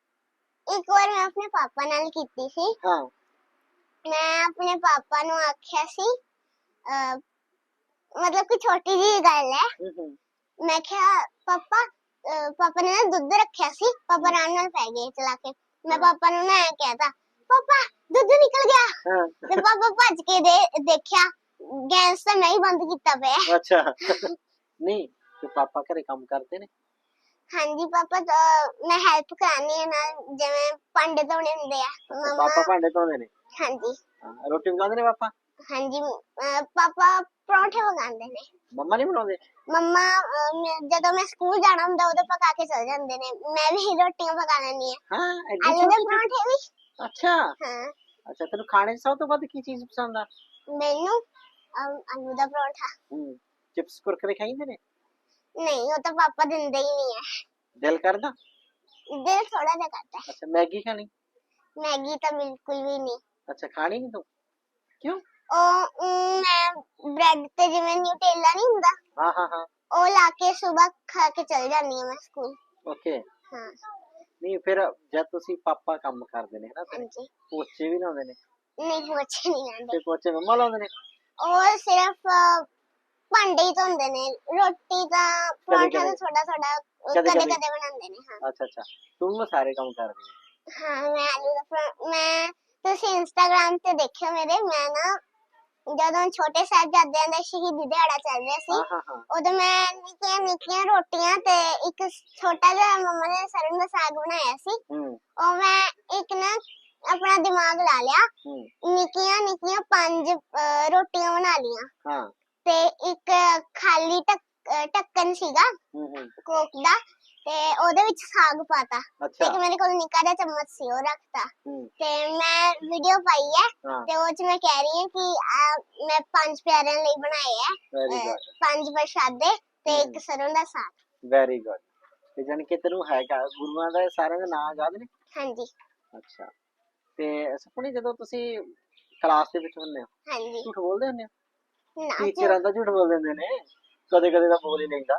[SPEAKER 2] ਇੱਕ ਵਾਰ ਮੈਂ ਆਪਣੇ ਪਾਪਾ ਨਾਲ ਕੀਤੀ ਸੀ।
[SPEAKER 1] हाँ
[SPEAKER 2] ਮੈਂ ਆਪਣੇ ਪਾਪਾ ਨੂੰ ਆਖਿਆ ਸੀ, ਅਹ, ਮਤਲਬ ਕਿ ਛੋਟੀ ਜਿਹੀ ਗੱਲ ਹੈ।
[SPEAKER 1] हम्म, हम्म,
[SPEAKER 2] ਮੈਂ ਕਿਹਾ ਪਾਪਾ, ਅਹ, ਪਾਪਾ ਨੇ ਨਾ ਦੁੱਧ ਰੱਖਿਆ ਸੀ। ਪਾਪਾ ਆਰਾਮ ਨਾਲ ਪੈ ਗਏ ਚਲਾ ਕੇ। ਮੈਂ ਪਾਪਾ ਨੂੰ ਨਾ ਐ ਕਹਿਤਾ, ਪਾਪਾ ਦੁੱਧ ਨਿਕਲ ਗਿਆ।
[SPEAKER 1] हाँ
[SPEAKER 2] ਤੇ ਪਾਪਾ ਭੱਜ ਕੇ ਦੇ ਦੇਖਿਆ, ਗੈਸ ਤਾਂ ਨਹੀਂ ਬੰਦ ਕੀਤਾ ਪਿਆ।
[SPEAKER 1] अच्छा नहीं तो पापा घरे काम करते ने?
[SPEAKER 2] ਹਾਂਜੀ ਪਾਪਾ, ਤਾਂ ਮੈਂ ਹੈਲਪ ਕਰਾਨੀ ਹੈ ਨਾਲ, ਜਿਵੇਂ ਭਾਂਡੇ ਧੋਣੇ ਹੁੰਦੇ ਆ।
[SPEAKER 1] अच्छा,
[SPEAKER 2] ਮੰਮਾ
[SPEAKER 1] पापा भांडे धोंदे ने?
[SPEAKER 2] ਹਾਂਜੀ
[SPEAKER 1] हाँ, रोटी पकांदे ने पापा?
[SPEAKER 2] ਹਾਂਜੀ ਅਹ, ਪਾਪਾ ਪਰੌਂਠੇ ਪਕਾਉਂਦੇ ਨੇ।
[SPEAKER 1] मम्मा नहीं बनाउंदे?
[SPEAKER 2] ਮੰਮਾ ਅਹ, ਮੈਂ- ਜਦੋਂ ਮੈਂ ਸਕੂਲ ਜਾਣਾ ਹੁੰਦਾ ਉਦੋਂ ਪਕਾ ਕੇ ਚਲ ਜਾਂਦੇ ਨੇ। ਮੈਂ ਵੀ ਰੋਟੀਆਂ ਪਕਾ ਲੈਂਦੀ ਹਾਂ,
[SPEAKER 1] हाँ एडी
[SPEAKER 2] ਆਲੂ ਦੇ
[SPEAKER 1] छोटी छोटी?
[SPEAKER 2] ਪਰੌਂਠੇ ਵੀ।
[SPEAKER 1] अच्छा
[SPEAKER 2] ਹਾਂ
[SPEAKER 1] अच्छा, तेन खाने च सब तो वध की चीज पसंद आ?
[SPEAKER 2] ਮੈਨੂੰ ਅਹ, ਆਲੂ ਦਾ ਪਰੌਂਠਾ।
[SPEAKER 1] हम्म चिप्स कुरकुरे खाइंदे ने?
[SPEAKER 2] ਨਹੀਂ, ਉਹ ਤਾਂ ਪਾਪਾ ਦਿੰਦੇ ਹੀ ਨਹੀਂ ਹੈ।
[SPEAKER 1] दिल करदा?
[SPEAKER 2] ਦਿਲ ਥੋੜਾ ਜਿਹਾ ਕਰਦਾ ਹੈ।
[SPEAKER 1] अच्छा मैगी खानी?
[SPEAKER 2] ਮੈਗੀ ਤਾਂ ਬਿਲਕੁਲ ਵੀ ਨਹੀਂ।
[SPEAKER 1] अच्छा खानी नहीं तू? क्यों?
[SPEAKER 2] ਉਹ ਅਮ, ਮੈਂ ਬ੍ਰੈਡ ਤੇ ਜਿਵੇਂ ਨਿਊਟੇਲਾ ਨਹੀਂ ਹੁੰਦਾ,
[SPEAKER 1] हाँ हाँ हाँ
[SPEAKER 2] ਉਹ ਲਾ ਕੇ ਸਵੇਰ ਖਾ ਕੇ ਚਲ ਜਾਂਦੀ ਹਾਂ ਮੈਂ ਸਕੂਲ।
[SPEAKER 1] ओके।
[SPEAKER 2] ਹਾਂ
[SPEAKER 1] नहीं फिर जब तुसी पापा काम करदे ने ना तेरे
[SPEAKER 2] ਹਾਂਜੀ
[SPEAKER 1] पोचे भी लाउंदे ने
[SPEAKER 2] ਨਹੀਂ ਪੋਚੇ ਨਹੀਂ ਆਉਂਦੇ।
[SPEAKER 1] ते पोचे मम्मा लाउंदे ने?
[SPEAKER 2] ਉਹ ਸਿਰਫ ਅਹ, ਭਾਂਡੇ ਹੀ ਧੋਂਦੇ ਨੇ। ਰੋਟੀ ਤਾਂ ਪਰੌਂਠਾ ਤਾਂ
[SPEAKER 1] ਕਦੇ।
[SPEAKER 2] ਥੋੜਾ ਥੋੜਾ
[SPEAKER 1] ਕਦੇ
[SPEAKER 2] ਕਦੇ
[SPEAKER 1] ਕਦੇ।
[SPEAKER 2] ਕਦੇ ਬਣਾਉਂਦੇ ਨੇ। ਹਾਂ
[SPEAKER 1] अच्छा अच्छा तू मैं सारे काम कर दी
[SPEAKER 2] ਹਾਂ ਮੈਂ ਆਲੂ ਦਾ ਪਰੌਂ- ਮੈਂ ਤੁਸੀਂ ਇੰਸਟਾਗ੍ਰਾਮ ਤੇ ਦੇਖਿਓ ਮੇਰੇ, ਮੈਂ ਨਾ ਜਦੋਂ ਛੋਟੇ ਸਾਹਿਬਜ਼ਾਦਿਆਂ ਦਾ ਸ਼ਹੀਦੀ ਦਿਹਾੜਾ ਚੱਲ ਰਿਹਾ ਸੀ,
[SPEAKER 1] हाँ हाँ हाँ
[SPEAKER 2] ਉਦੋਂ ਮੈਂ ਨਿੱਕੀਆਂ ਨਿੱਕੀਆਂ ਰੋਟੀਆਂ ਤੇ ਇੱਕ ਛੋਟਾ ਜਿਹਾ ਮੰਮਾ ਨੇ ਸਰੋਂ ਦਾ ਸਾਗ ਬਣਾਇਆ ਸੀ।
[SPEAKER 1] हम्म
[SPEAKER 2] ਉਹ ਮੈਂ ਇੱਕ ਨਾ ਆਪਣਾ ਦਿਮਾਗ ਲਾ ਲਿਆ,
[SPEAKER 1] हम्म
[SPEAKER 2] ਨਿੱਕੀਆਂ ਨਿੱਕੀਆਂ ਪੰਜ ਅਹ, ਰੋਟੀਆਂ ਬਣਾ ਲੀਆਂ
[SPEAKER 1] हाँ
[SPEAKER 2] ਤੇ ਇੱਕ ਖਾਲੀ ਢੱਕ- ਅਹ, ਢੱਕਣ ਸੀਗਾ
[SPEAKER 1] हम्म हम्म
[SPEAKER 2] ਕੋਕ ਦਾ, ਤੇ ਉਹਦੇ ਵਿੱਚ ਸਾਗ ਪਾਤਾ।
[SPEAKER 1] अच्छा
[SPEAKER 2] ਇੱਕ ਮੇਰੇ ਕੋਲ ਨਿੱਕਾ ਜਿਹਾ ਚਮਚ ਸੀ, ਉਹ ਰੱਖਤਾ
[SPEAKER 1] हम्म
[SPEAKER 2] ਤੇ ਮੈਂ ਵੀਡੀਓ ਪਾਈ ਹੈ।
[SPEAKER 1] हाँ
[SPEAKER 2] ਤੇ ਉਹ ਚ ਮੈਂ ਕਹਿ ਰਹੀ ਹਾਂ ਕਿ ਆਹ ਮੈਂ ਪੰਜ ਪਿਆਰਿਆਂ ਲਈ ਬਣਾਏ ਆ,
[SPEAKER 1] वेरी
[SPEAKER 2] ਅਹ,
[SPEAKER 1] गुड
[SPEAKER 2] ਪੰਜ ਪ੍ਰਸ਼ਾਦੇ ਤੇ ਇੱਕ
[SPEAKER 1] ਹਮ।
[SPEAKER 2] ਸਰੋਂ ਦਾ ਸਾਗ।
[SPEAKER 1] वेरी गुड ਤੇ ਜਾਨ ਕਿ ਤੈਨੂੰ ਹੈਗਾ ਗੁਰੂਆਂ ਦਾ ਸਾਰਿਆਂ ਦੇ ਨਾਮ ਯਾਦ ਨੇ?
[SPEAKER 2] ਹਾਂਜੀ
[SPEAKER 1] ਅੱਛਾ ਤੇ ਸੁਪਨੀ ਜਦੋਂ ਤੁਸੀਂ ਕਲਾਸ ਦੇ ਵਿੱਚ ਹੁੰਦੇ ਹੋ
[SPEAKER 2] ਹਾਂਜੀ
[SPEAKER 1] ਝੂਠ ਬੋਲਦੇ ਹੁੰਦੇ ਹੋ?
[SPEAKER 2] ਨਾ
[SPEAKER 1] ਟੀਚਰਾਂ ਦਾ ਝੂਠ ਬੋਲ ਦਿੰਦੇ ਨੇ, ਕਦੇ ਕਦੇ ਤਾਂ ਬੋਲ ਹੀ ਲੈਂਦਾ,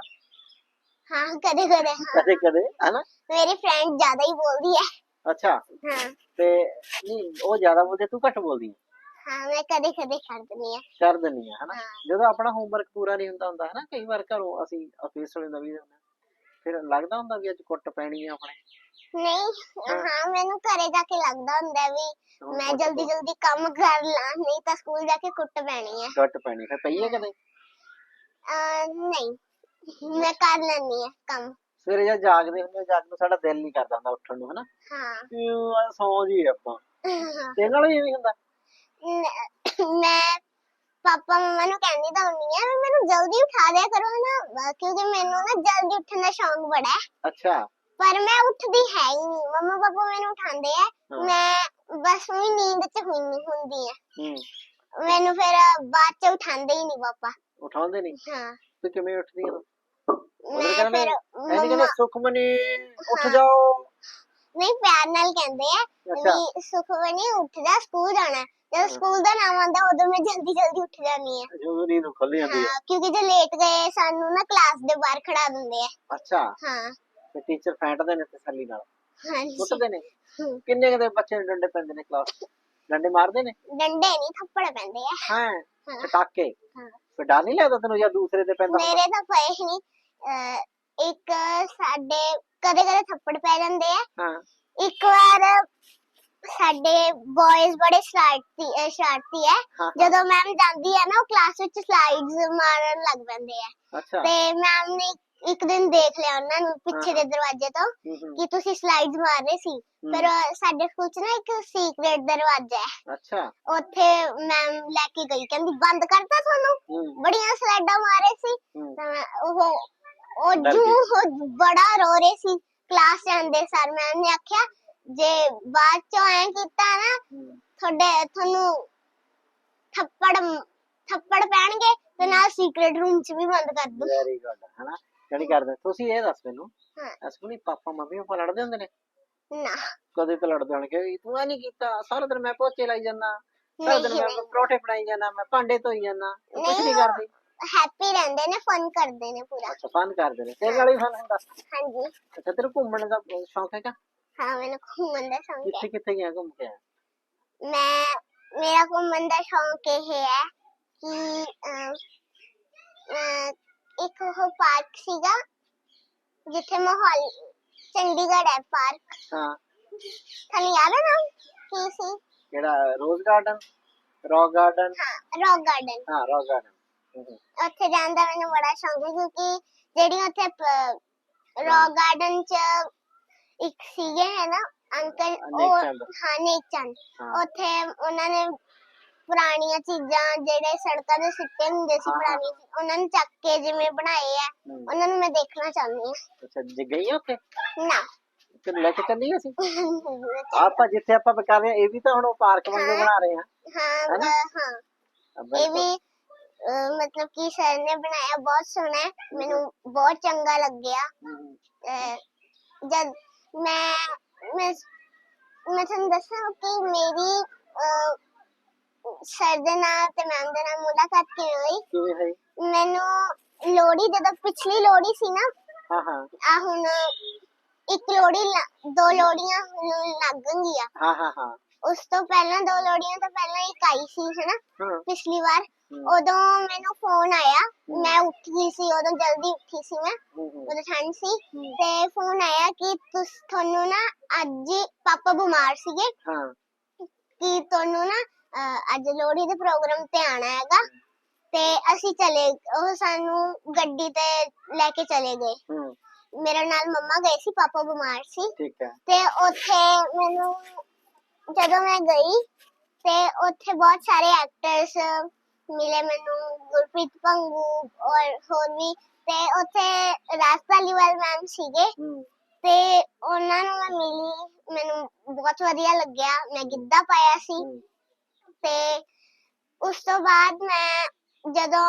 [SPEAKER 2] ਹਾਂ ਕਦੇ ਕਦੇ। ਹਾਂ
[SPEAKER 1] ਕਦੇ ਕਦੇ ਹਨਾ?
[SPEAKER 2] ਮੇਰੀ ਫਰੈਂਡ ਜ਼ਿਆਦਾ ਹੀ ਬੋਲਦੀ ਹੈ।
[SPEAKER 1] ਅੱਛਾ
[SPEAKER 2] ਹਾਂ
[SPEAKER 1] ਤੇ ਨਹੀਂ ਉਹ ਜ਼ਿਆਦਾ ਬੋਲਦੇ, ਤੂੰ ਘੱਟ ਬੋਲਦੀ ਹੈ?
[SPEAKER 2] ਹਾਂ ਮੈਂ ਕਦੇ ਕਦੇ ਕਰ ਦਿੰਦੀ ਹਾਂ।
[SPEAKER 1] ਕਰ ਦਿੰਦੀ ਹੈ ਹਨਾ?
[SPEAKER 2] ਹਾਂ
[SPEAKER 1] ਜਦੋਂ ਆਪਣਾ ਹੋਮਵਰਕ ਪੂਰਾ ਨਹੀਂ ਹੁੰਦਾ ਹੁੰਦਾ ਹਨਾ, ਕਈ ਵਾਰ ਘਰੋਂ ਅਸੀਂ ਆਫਿਸ ਵਾਲੇ ਨਵੀਂ ਹੁੰਦੇ ਫਿਰ ਲੱਗਦਾ ਹੁੰਦਾ ਵੀ ਅੱਜ ਕੁੱਟ ਪੈਣੀ ਹੈ ਆਪਣੇ?
[SPEAKER 2] ਨਹੀਂ
[SPEAKER 1] ਹਾਂ।
[SPEAKER 2] ਹਾਂ ਮੈਨੂੰ ਘਰੇ ਜਾ ਕੇ ਲੱਗਦਾ ਹੁੰਦਾ ਵੀ
[SPEAKER 1] ਹੁਣ
[SPEAKER 2] ਮੈਂ
[SPEAKER 1] ਕੁੱਟ
[SPEAKER 2] ਜਲਦੀ
[SPEAKER 1] ਪਊ।
[SPEAKER 2] ਜਲਦੀ ਕੰਮ ਕਰ ਲਾਂ, ਨਹੀਂ ਤਾਂ ਸਕੂਲ ਜਾ ਕੇ ਕੁੱਟ ਪੈਣੀ ਹੈ।
[SPEAKER 1] ਕੁੱਟ ਪੈਣੀ ਫਿਰ ਪਈ ਹੈ ਕਦੇ?
[SPEAKER 2] ਅਹ, ਨਹੀਂ ਮੈਂ ਕਰ ਲੈਂਦੀ ਹਾਂ ਕੰਮ।
[SPEAKER 1] ਸਵੇਰੇ ਜਦ ਜਾਗਦੇ ਹੁੰਦੇ ਜਦ ਨੂੰ ਸਾਡਾ ਦਿਲ ਨਹੀਂ ਕਰਦਾ ਹੁੰਦਾ ਉੱਠਣ ਨੂੰ ਹਨਾ,
[SPEAKER 2] ਹਾਂ
[SPEAKER 1] ਕਿਉਂ ਆ ਸੌਂ ਜੀ ਆਪਾਂ, ਤੇ ਨਾਲ ਵੀ ਇਵੇਂ ਹੁੰਦਾ?
[SPEAKER 2] ਨ- ਮੈਂ ਪਾਪਾ ਮੰਮਾ ਨੂੰ ਕਹਿੰਦੀ ਤਾਂ ਹੁੰਦੀ ਆ ਵੀ ਮੈਨੂੰ ਜਲਦੀ ਉਠਾ ਦਿਆ ਕਰੋ ਨਾ, ਅਹ ਕਿਉਂਕਿ ਮੈਨੂੰ ਨਾ ਜਲਦੀ ਉੱਠਣ ਦਾ ਸ਼ੌਂਕ ਬੜਾ ਹੈ।
[SPEAKER 1] ਅੱਛਾ
[SPEAKER 2] ਪਰ ਮੈਂ ਉੱਠਦੀ ਹੈ ਹੀ ਨਹੀਂ। ਮੰਮਾ ਪਾਪਾ ਮੈਨੂੰ ਉਠਾਉਂਦੇ ਆ,
[SPEAKER 1] ਹਾਂ।
[SPEAKER 2] ਮੈਂ ਬਸ ਉਹੀ ਨੀਂਦ ਚ ਹੁੰਦੀ ਹੁੰਦੀ ਆ।
[SPEAKER 1] ਹੂੰ
[SPEAKER 2] ਮੈਨੂੰ ਫਿਰ ਬਾਅਦ ਚ ਉਠਾਉਂਦੇ ਹੀ ਨਹੀਂ ਪਾਪਾ।
[SPEAKER 1] ਉਠਾਉਂਦੇ ਨਹੀਂ?
[SPEAKER 2] ਹਾਂ
[SPEAKER 1] ਤੇ ਕਿਵੇਂ ਉੱਠਦੀ ਹੈ? ਉਹਦੇ
[SPEAKER 2] ਮੈਂ
[SPEAKER 1] ਕਹਿੰਦੇ
[SPEAKER 2] ਫਿਰ
[SPEAKER 1] ਐਨੀ ਕਹਿੰਦੇ
[SPEAKER 2] ਮੰਮਾ
[SPEAKER 1] ਸੁਖਮਨੀ ਉੱਠ
[SPEAKER 2] ਹਾਂ।
[SPEAKER 1] ਜਾਓ।
[SPEAKER 2] ਨਹੀਂ ਪਿਆਰ ਨਾਲ ਕਹਿੰਦੇ ਆ
[SPEAKER 1] ਅੱਛਾ
[SPEAKER 2] ਵੀ ਸੁਖਮਨੀ ਉੱਠ ਜਾ, ਸਕੂਲ ਜਾਣਾ। ਜਦੋਂ
[SPEAKER 1] ਹਾਂ।
[SPEAKER 2] ਸਕੂਲ ਦਾ ਨਾਮ ਆਉਂਦਾ ਉਦੋਂ ਮੈਂ ਜਲਦੀ ਜਲਦੀ ਉੱਠ ਜਾਂਦੀ ਆ।
[SPEAKER 1] ਜਦੋਂ ਨੀਂਦ ਖੁੱਲ ਜਾਂਦੀ ਹੈ?
[SPEAKER 2] ਹਾਂ ਕਿਉਂਕਿ ਜੇ ਲੇਟ ਗਏ ਸਾਨੂੰ ਨਾ ਕਲਾਸ ਦੇ ਬਾਹਰ ਖੜਾ ਦਿੰਦੇ ਆ।
[SPEAKER 1] ਅੱਛਾ
[SPEAKER 2] ਹਾਂ
[SPEAKER 1] ਤੇ ਟੀਚਰ ਫੈਂਟਦੇ ਨੇ ਤਸੱਲੀ ਨਾਲ,
[SPEAKER 2] ਹਾਂਜੀ
[SPEAKER 1] ਕੁੱਟਦੇ ਨੇ?
[SPEAKER 2] ਹਮ,
[SPEAKER 1] ਕਿੰਨੇ ਕਦੇ ਬੱਚੇ ਨੂੰ ਡੰਡੇ ਪੈਂਦੇ ਨੇ ਕਲਾਸ ਚ? ਡੰਡੇ ਮਾਰਦੇ ਨੇ?
[SPEAKER 2] ਡੰਡੇ ਨਹੀਂ ਥੱਪੜ ਪੈਂਦੇ ਆ।
[SPEAKER 1] ਹਾਂ
[SPEAKER 2] ਹਾਂ
[SPEAKER 1] ਪਟਾਕੇ?
[SPEAKER 2] ਹਾਂ
[SPEAKER 1] ਫਿਰ ਡਰ ਨਹੀਂ ਲੱਗਦਾ ਤੈਨੂੰ ਜਦ ਦੂਸਰੇ ਤੇ ਪੈਂਦਾ ਹੁੰਦਾ?
[SPEAKER 2] ਮੇਰੇ ਤਾਂ ਪਏ ਹੀ ਨਹੀਂ। ਅਹ, ਇੱਕ ਸਾਡੇ ਕਦੇ ਕਦੇ ਥੱਪੜ ਪੈ ਜਾਂਦੇ ਆ।
[SPEAKER 1] ਹਾਂ
[SPEAKER 2] ਇੱਕ ਵਾਰ ਸਾਡੇ ਬॉयਜ਼ ਬੜੇ ਸ਼ਰਾਰਤੀ ਅਹ ਸ਼ਰਾਰਤੀ ਹੈ।
[SPEAKER 1] ਹਾਂ ਹਾਂ
[SPEAKER 2] ਜਦੋਂ ਮੈਮ ਜਾਂਦੀ ਹੈ ਨਾ ਉਹ ਕਲਾਸ ਵਿੱਚ ਸਲਾਈਡਸ ਮਾਰਨ ਲੱਗ ਪੈਂਦੇ ਆ।
[SPEAKER 1] ਅੱਛਾ
[SPEAKER 2] ਤੇ ਮੈਮ ਨੇ ਇੱਕ ਦਿਨ ਦੇਖ ਲਿਆ ਉਹਨਾਂ ਨੂੰ ਪਿੱਛੇ ਦੇ ਦਰਵਾਜ਼ੇ ਤੋਂ
[SPEAKER 1] ਹੂੰ ਹੂੰ
[SPEAKER 2] ਕਿ ਤੁਸੀਂ ਸਲਾਈਡਸ ਮਾਰ ਰਹੇ ਸੀ। ਫਿਰ
[SPEAKER 1] ਹੂੰ,
[SPEAKER 2] ਸਾਡੇ ਸਕੂਲ 'ਚ ਨਾ ਇੱਕ ਸੀਕ੍ਰੇਟ ਦਰਵਾਜ਼ਾ ਹੈ,
[SPEAKER 1] ਅੱਛਾ
[SPEAKER 2] ਉੱਥੇ ਮੈਮ ਲੈ ਕੇ ਗਈ, ਕਹਿੰਦੀ ਬੰਦ ਕਰਤਾ ਤੁਹਾਨੂੰ,
[SPEAKER 1] ਹੂੰ
[SPEAKER 2] ਬੜੀਆਂ ਸਲਾਈਡਾਂ ਮਾਰੇ ਸੀ।
[SPEAKER 1] ਹੂੰ
[SPEAKER 2] ਤਾਂ ਮੈਂ- ਉਹ ਉਹ
[SPEAKER 1] ਡਰ
[SPEAKER 2] ਜੂ
[SPEAKER 1] ਗਈ।
[SPEAKER 2] ਉਹ ਬੜਾ ਰੋ ਰਹੇ ਸੀ। ਕਲਾਸ ਜਾਂਦੇ ਸਰ ਮੈਮ ਨੇ ਆਖਿਆ ਜੇ ਬਾਅਦ ਚੋਂ ਐ ਕੀਤਾ ਨਾ
[SPEAKER 1] ਹੂੰ,
[SPEAKER 2] ਤੁਹਾਡੇ ਤੁਹਾਨੂੰ ਥੱਪੜ ਥੱਪੜ ਪੈਣਗੇ ਤੇ ਨਾਲ ਸੀਕ੍ਰੇਟ ਰੂਮ ਚ ਵੀ ਬੰਦ ਕਰ ਦੂੰ।
[SPEAKER 1] ਵੈਰੀ ਗੁੱਡ ਹਨਾ ਜਾਣੀ ਕਰਦੇ ਤੁਸੀਂ ਇਹ ਦੱਸ ਮੈਨੂੰ
[SPEAKER 2] ਹਾਂ।
[SPEAKER 1] ਅਸਮਨੀ ਪਾਪਾ ਮੰਮੀ ਪਾਪਾ ਲੜਦੇ ਹੁੰਦੇ ਨੇ
[SPEAKER 2] ਨਾ
[SPEAKER 1] ਕਦੇ ਤਾਂ ਲੜਦੇ ਹੋਣਗੇ ਤੂੰ ਆ ਨਹੀਂ ਕੀਤਾ ਸਾਰਾ ਦਿਨ ਮੈਂ ਪੋਚੇ ਲਾਈ ਜਾਂਦਾ ਸਾਰਾ ਦਿਨ
[SPEAKER 2] ਨਹੀਂ
[SPEAKER 1] ਮੈਂ
[SPEAKER 2] ਨਹੀਂ
[SPEAKER 1] ਪਰੌਠੇ ਬਣਾਈ ਜਾਂਦਾ ਮੈਂ ਭਾਂਡੇ ਧੋਈ ਜਾਂਦਾ ਤੂੰ ਕੁਝ
[SPEAKER 2] ਨਹੀਂ
[SPEAKER 1] ਨਹੀਂ
[SPEAKER 2] ਉਹ
[SPEAKER 1] ਕਰਦੀ
[SPEAKER 2] ਹੈਪੀ ਰਹਿੰਦੇ ਨੇ ਫਨ ਕਰਦੇ ਨੇ ਪੂਰਾ।
[SPEAKER 1] ਅੱਛਾ ਫਨ ਕਰਦੇ ਨੇ ਤੇਰੇ ਨਾਲ ਹੀ ਫਨ ਹੁੰਦਾ
[SPEAKER 2] ਹਾਂਜੀ
[SPEAKER 1] ਅੱਛਾ ਤੇਰੇ ਘੁੰਮਣ ਦਾ ਸ਼ੌਂਕ ਹੈਗਾ
[SPEAKER 2] ਹਾਂ ਮੈਨੂੰ ਘੁੰਮਣ ਦਾ ਸ਼ੌਂਕ
[SPEAKER 1] ਕਿੱਥੇ
[SPEAKER 2] ਹੈ।
[SPEAKER 1] ਕਿੱਥੇ ਗਿਆ ਘੁੰਮ ਕੇ ਆਇਆ
[SPEAKER 2] ਮੈਂ ਮੇਰਾ ਘੁੰਮਣ ਦਾ ਸ਼ੌਂਕ ਇਹ ਹੈ ਕਿ ਅਮ, ਅਮ, ਇੱਕ ਉਹ ਪਾਰਕ ਸੀਗਾ ਜਿੱਥੇ ਮਾਹੌਲ ਚੰਡੀਗੜ੍ਹ ਹੈ ਪਾਰਕ
[SPEAKER 1] ਹਾਂ
[SPEAKER 2] ਤੁਹਾਨੂੰ ਯਾਦ ਹੈ ਨਾਮ ਕੀ ਸੀ?
[SPEAKER 1] ਕਿਹੜਾ ਰੋਜ਼ ਗਾਰਡਨ ਰੌਕ ਗਾਰਡਨ
[SPEAKER 2] ਹਾਂ ਰੌਕ ਗਾਰਡਨ।
[SPEAKER 1] ਹਾਂ ਰੌਕ ਗਾਰਡਨ
[SPEAKER 2] ਉੱਥੇ ਜਾਣ ਦਾ ਮੈਨੂੰ ਬੜਾ ਸ਼ੌਂਕ ਹੈ ਕਿਉਂਕਿ ਜਿਹੜੀ ਉੱਥੇ ਰੌਕ ਗਾਰਡਨ ਚ ਇੱਕ ਸੀਗੇ ਹੈ ਨਾ ਅੰਕਲ
[SPEAKER 1] ਨੇਕ
[SPEAKER 2] ਉਹ
[SPEAKER 1] ਚੰਦ।
[SPEAKER 2] ਹਾਂ ਨੇਕ ਚੰਦ
[SPEAKER 1] ਹਾਂ।
[SPEAKER 2] ਉੱਥੇ ਉਹਨਾਂ ਨੇ ਪੁਰਾਣੀਆਂ ਚੀਜ਼ਾਂ ਜਿਹੜੇ ਸੜਕਾਂ ਦੇ ਸਿੱਟੇ ਹੁੰਦੇ ਸੀ
[SPEAKER 1] ਹਾਂ, ਹਾਂ,
[SPEAKER 2] ਪੁਰਾਣੀ ਉਹਨਾਂ ਨੂੰ ਚੱਕ ਕੇ ਜਿਵੇਂ ਬਣਾਏ ਆ
[SPEAKER 1] ਹਮ।
[SPEAKER 2] ਉਹਨਾਂ ਨੂੰ ਮੈਂ ਦੇਖਣਾ ਚਾਹੁੰਦੀ ਹਾਂ।
[SPEAKER 1] ਅੱਛਾ ਜੇ ਗਈ ਆ ਉੱਥੇ
[SPEAKER 2] ਨਾ
[SPEAKER 1] ਤੇ ਲੈ ਕੇ ਚੱਲੀ ਅਸੀਂ ਆਪਾਂ ਜਿੱਥੇ ਆਪਾਂ ਕਰ ਰਹੇ ਹਾਂ ਇਹ ਵੀ ਤਾਂ ਹੁਣ ਉਹ ਪਾਰਕ ਵਾਂਗੂ ਬਣਾ ਰਹੇ ਹਾਂ
[SPEAKER 2] ਹਾਂ
[SPEAKER 1] ਹੈਨਾ?
[SPEAKER 2] ਬ- ਹਾਂ ਇਹ
[SPEAKER 1] ਬਿਲਕੁਲ।
[SPEAKER 2] ਵੀ ਅਹ, ਮਤਲਬ ਕਿ ਸਰ ਨੇ ਬਣਾਇਆ ਬਹੁਤ ਸੋਹਣਾ ਹੈ ਮੈਨੂੰ ਬਹੁਤ ਚੰਗਾ ਲੱਗਿਆ।
[SPEAKER 1] ਹਮ,
[SPEAKER 2] ਅਹ, ਜਦ ਮੈਂ ਮੈਂ ਮੈਂ ਤੁਹਾਨੂੰ ਦੱਸਾਂ ਕਿ ਮੇਰੀ ਅਹ, ਸਰ ਦੇ ਨਾਲ ਤੇ ਮੈਮ ਦੇ ਨਾਲ ਮੁਲਾਕਾਤ ਕਿਵੇਂ ਹੋਈ।
[SPEAKER 1] ਕਿਵੇਂ ਹੋਈ
[SPEAKER 2] ਮੈਨੂੰ ਲੋਹੜੀ ਜਦੋਂ ਪਿਛਲੀ ਲੋਹੜੀ ਸੀ ਨਾ
[SPEAKER 1] ਹਾਂ ਹਾਂ
[SPEAKER 2] ਆ ਹੁਣ ਇੱਕ ਲੋਹੜੀ ਲ- ਦੋ ਲੋਹੜੀਆਂ ਹੁਣ ਲੱਗਣਗੀਆਂ।
[SPEAKER 1] ਹਾਂ ਹਾਂ ਹਾਂ
[SPEAKER 2] ਉਸ ਤੋਂ ਪਹਿਲਾਂ ਦੋ ਲੋਹੜੀਆਂ ਤੋਂ ਪਹਿਲਾਂ ਇੱਕ ਆਈ ਸੀ ਹਨਾ
[SPEAKER 1] ਹਾਂ
[SPEAKER 2] ਪਿਛਲੀ ਵਾਰ
[SPEAKER 1] ਹਮ,
[SPEAKER 2] ਉਦੋਂ ਮੈਨੂੰ ਫੋਨ ਆਇਆ ਮੈਂ ਉੱਠ ਗਈ ਸੀ ਉਦੋਂ ਜਲਦੀ ਉੱਠੀ ਸੀ ਮੈਂ
[SPEAKER 1] ਹਮ, ਹਮ,
[SPEAKER 2] ਉਦੋਂ ਠੰਡ ਸੀ
[SPEAKER 1] ਹਮ,
[SPEAKER 2] ਤੇ ਫੋਨ ਆਇਆ ਕਿ ਤੁਸ ਤੁਹਾਨੂੰ ਨਾ ਅੱਜ ਪਾਪਾ ਬਿਮਾਰ ਸੀਗੇ
[SPEAKER 1] ਹਾਂ
[SPEAKER 2] ਕਿ ਤੁਹਾਨੂੰ ਨਾ ਅਹ, ਅੱਜ ਲੋਹੜੀ ਦੇ ਪ੍ਰੋਗਰਾਮ ਤੇ ਆਣਾ ਹੈਗਾ ਤੇ ਅਸੀਂ ਚਲੇ ਉਹ ਸਾਨੂੰ ਗੱਡੀ ਤੇ ਲੈ ਕੇ ਚਲੇ ਗਏ।
[SPEAKER 1] ਹਮ,
[SPEAKER 2] ਮੇਰੇ ਨਾਲ ਮੰਮਾ ਗਏ ਸੀ ਪਾਪਾ ਬਿਮਾਰ ਸੀ
[SPEAKER 1] ਠੀਕ ਹੈ
[SPEAKER 2] ਤੇ ਉੱਥੇ ਮੈਨੂੰ ਜਦੋਂ ਮੈਂ ਗਈ ਤੇ ਉੱਥੇ ਬਹੁਤ ਸਾਰੇ ਐਕਟਰਸ ਮਿਲੇ ਮੈਨੂੰ ਗੁਰਪ੍ਰੀਤ ਭੰਗੂ ਔਰ ਹੋਰ ਵੀ ਤੇ ਉੱਥੇ ਰਾਜ ਧਾਲੀਵਾਲ ਮੈਮ ਸੀਗੇ
[SPEAKER 1] ਹਮ,
[SPEAKER 2] ਤੇ ਉਹਨਾਂ ਨੂੰ ਮੈਂ ਮਿਲੀ ਮੈਨੂੰ ਬਹੁਤ ਵਧੀਆ ਲੱਗਿਆ ਮੈਂ ਗਿੱਧਾ ਪਾਇਆ ਸੀ
[SPEAKER 1] ਹਮ,
[SPEAKER 2] ਤੇ ਉਸ ਤੋਂ ਬਾਅਦ ਮੈਂ ਜਦੋਂ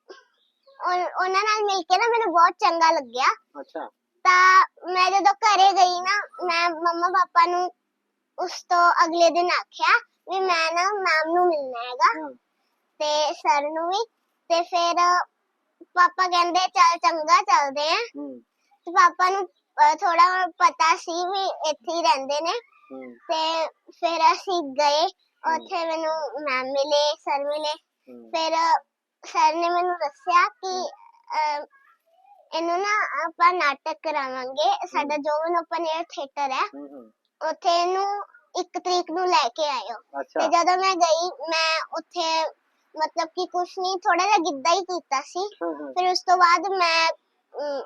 [SPEAKER 2] ਉਨ- ਉਹਨਾਂ ਨਾਲ ਮਿਲ ਕੇ ਨਾ ਮੈਨੂੰ ਬਹੁਤ ਚੰਗਾ ਲੱਗਿਆ
[SPEAKER 1] ਅੱਛਾ
[SPEAKER 2] ਤਾਂ ਮੈਂ ਜਦੋਂ ਘਰੇ ਗਈ ਨਾ ਮੈਂ ਮੰਮਾ ਪਾਪਾ ਨੂੰ ਉਸ ਤੋਂ ਅਗਲੇ ਦਿਨ ਆਖਿਆ ਵੀ ਮੈਂ ਨਾ ਮੈਮ ਨੂੰ ਮਿਲਣਾ ਹੈਗਾ
[SPEAKER 1] ਹਾਂ
[SPEAKER 2] ਤੇ ਸਰ ਨੂੰ ਵੀ ਤੇ ਫਿਰ ਪਾਪਾ ਕਹਿੰਦੇ ਚੱਲ ਚੰਗਾ ਚੱਲਦੇ ਆ
[SPEAKER 1] ਹਮ,
[SPEAKER 2] ਤੇ ਪਾਪਾ ਨੂੰ ਥੋੜਾ ਪਤਾ ਸੀ ਵੀ ਇੱਥੇ ਹੀ ਰਹਿੰਦੇ ਨੇ
[SPEAKER 1] ਹਮ,
[SPEAKER 2] ਤੇ ਫਿਰ ਅਸੀਂ ਗਏ ਉੱਥੇ ਮੈਨੂੰ ਮੈਮ ਮਿਲੇ ਸਰ ਮਿਲੇ
[SPEAKER 1] ਹਮ,
[SPEAKER 2] ਫਿਰ ਸਰ ਨੇ ਮੈਨੂੰ ਦੱਸਿਆ ਕਿ ਅਹ, ਇਹਨੂੰ ਨਾ ਆਪਾਂ ਨਾਟਕ ਕਰਾਵਾਂਗੇ ਸਾਡਾ ਜੋਵਨ ਓਪਨ 에ਅਰ ਥੀਏਟਰ ਹੈ
[SPEAKER 1] ਹਮ, ਹਮ,
[SPEAKER 2] ਉੱਥੇ ਇਹਨੂੰ ਇੱਕ ਤਰੀਕ ਨੂੰ ਲੈ ਕੇ ਆਇਓ
[SPEAKER 1] ਅੱਛਾ
[SPEAKER 2] ਤੇ ਜਦੋਂ ਮੈਂ ਗਈ ਮੈਂ ਉੱਥੇ ਮਤਲਬ ਕਿ ਕੁਛ ਨਹੀਂ ਥੋੜਾ ਜਿਹਾ ਗਿੱਧਾ ਹੀ ਕੀਤਾ ਸੀ
[SPEAKER 1] ਹਾਂ ਹਾਂ
[SPEAKER 2] ਫਿਰ ਉਸ ਤੋਂ ਬਾਅਦ ਮੈਂ ਅਮ,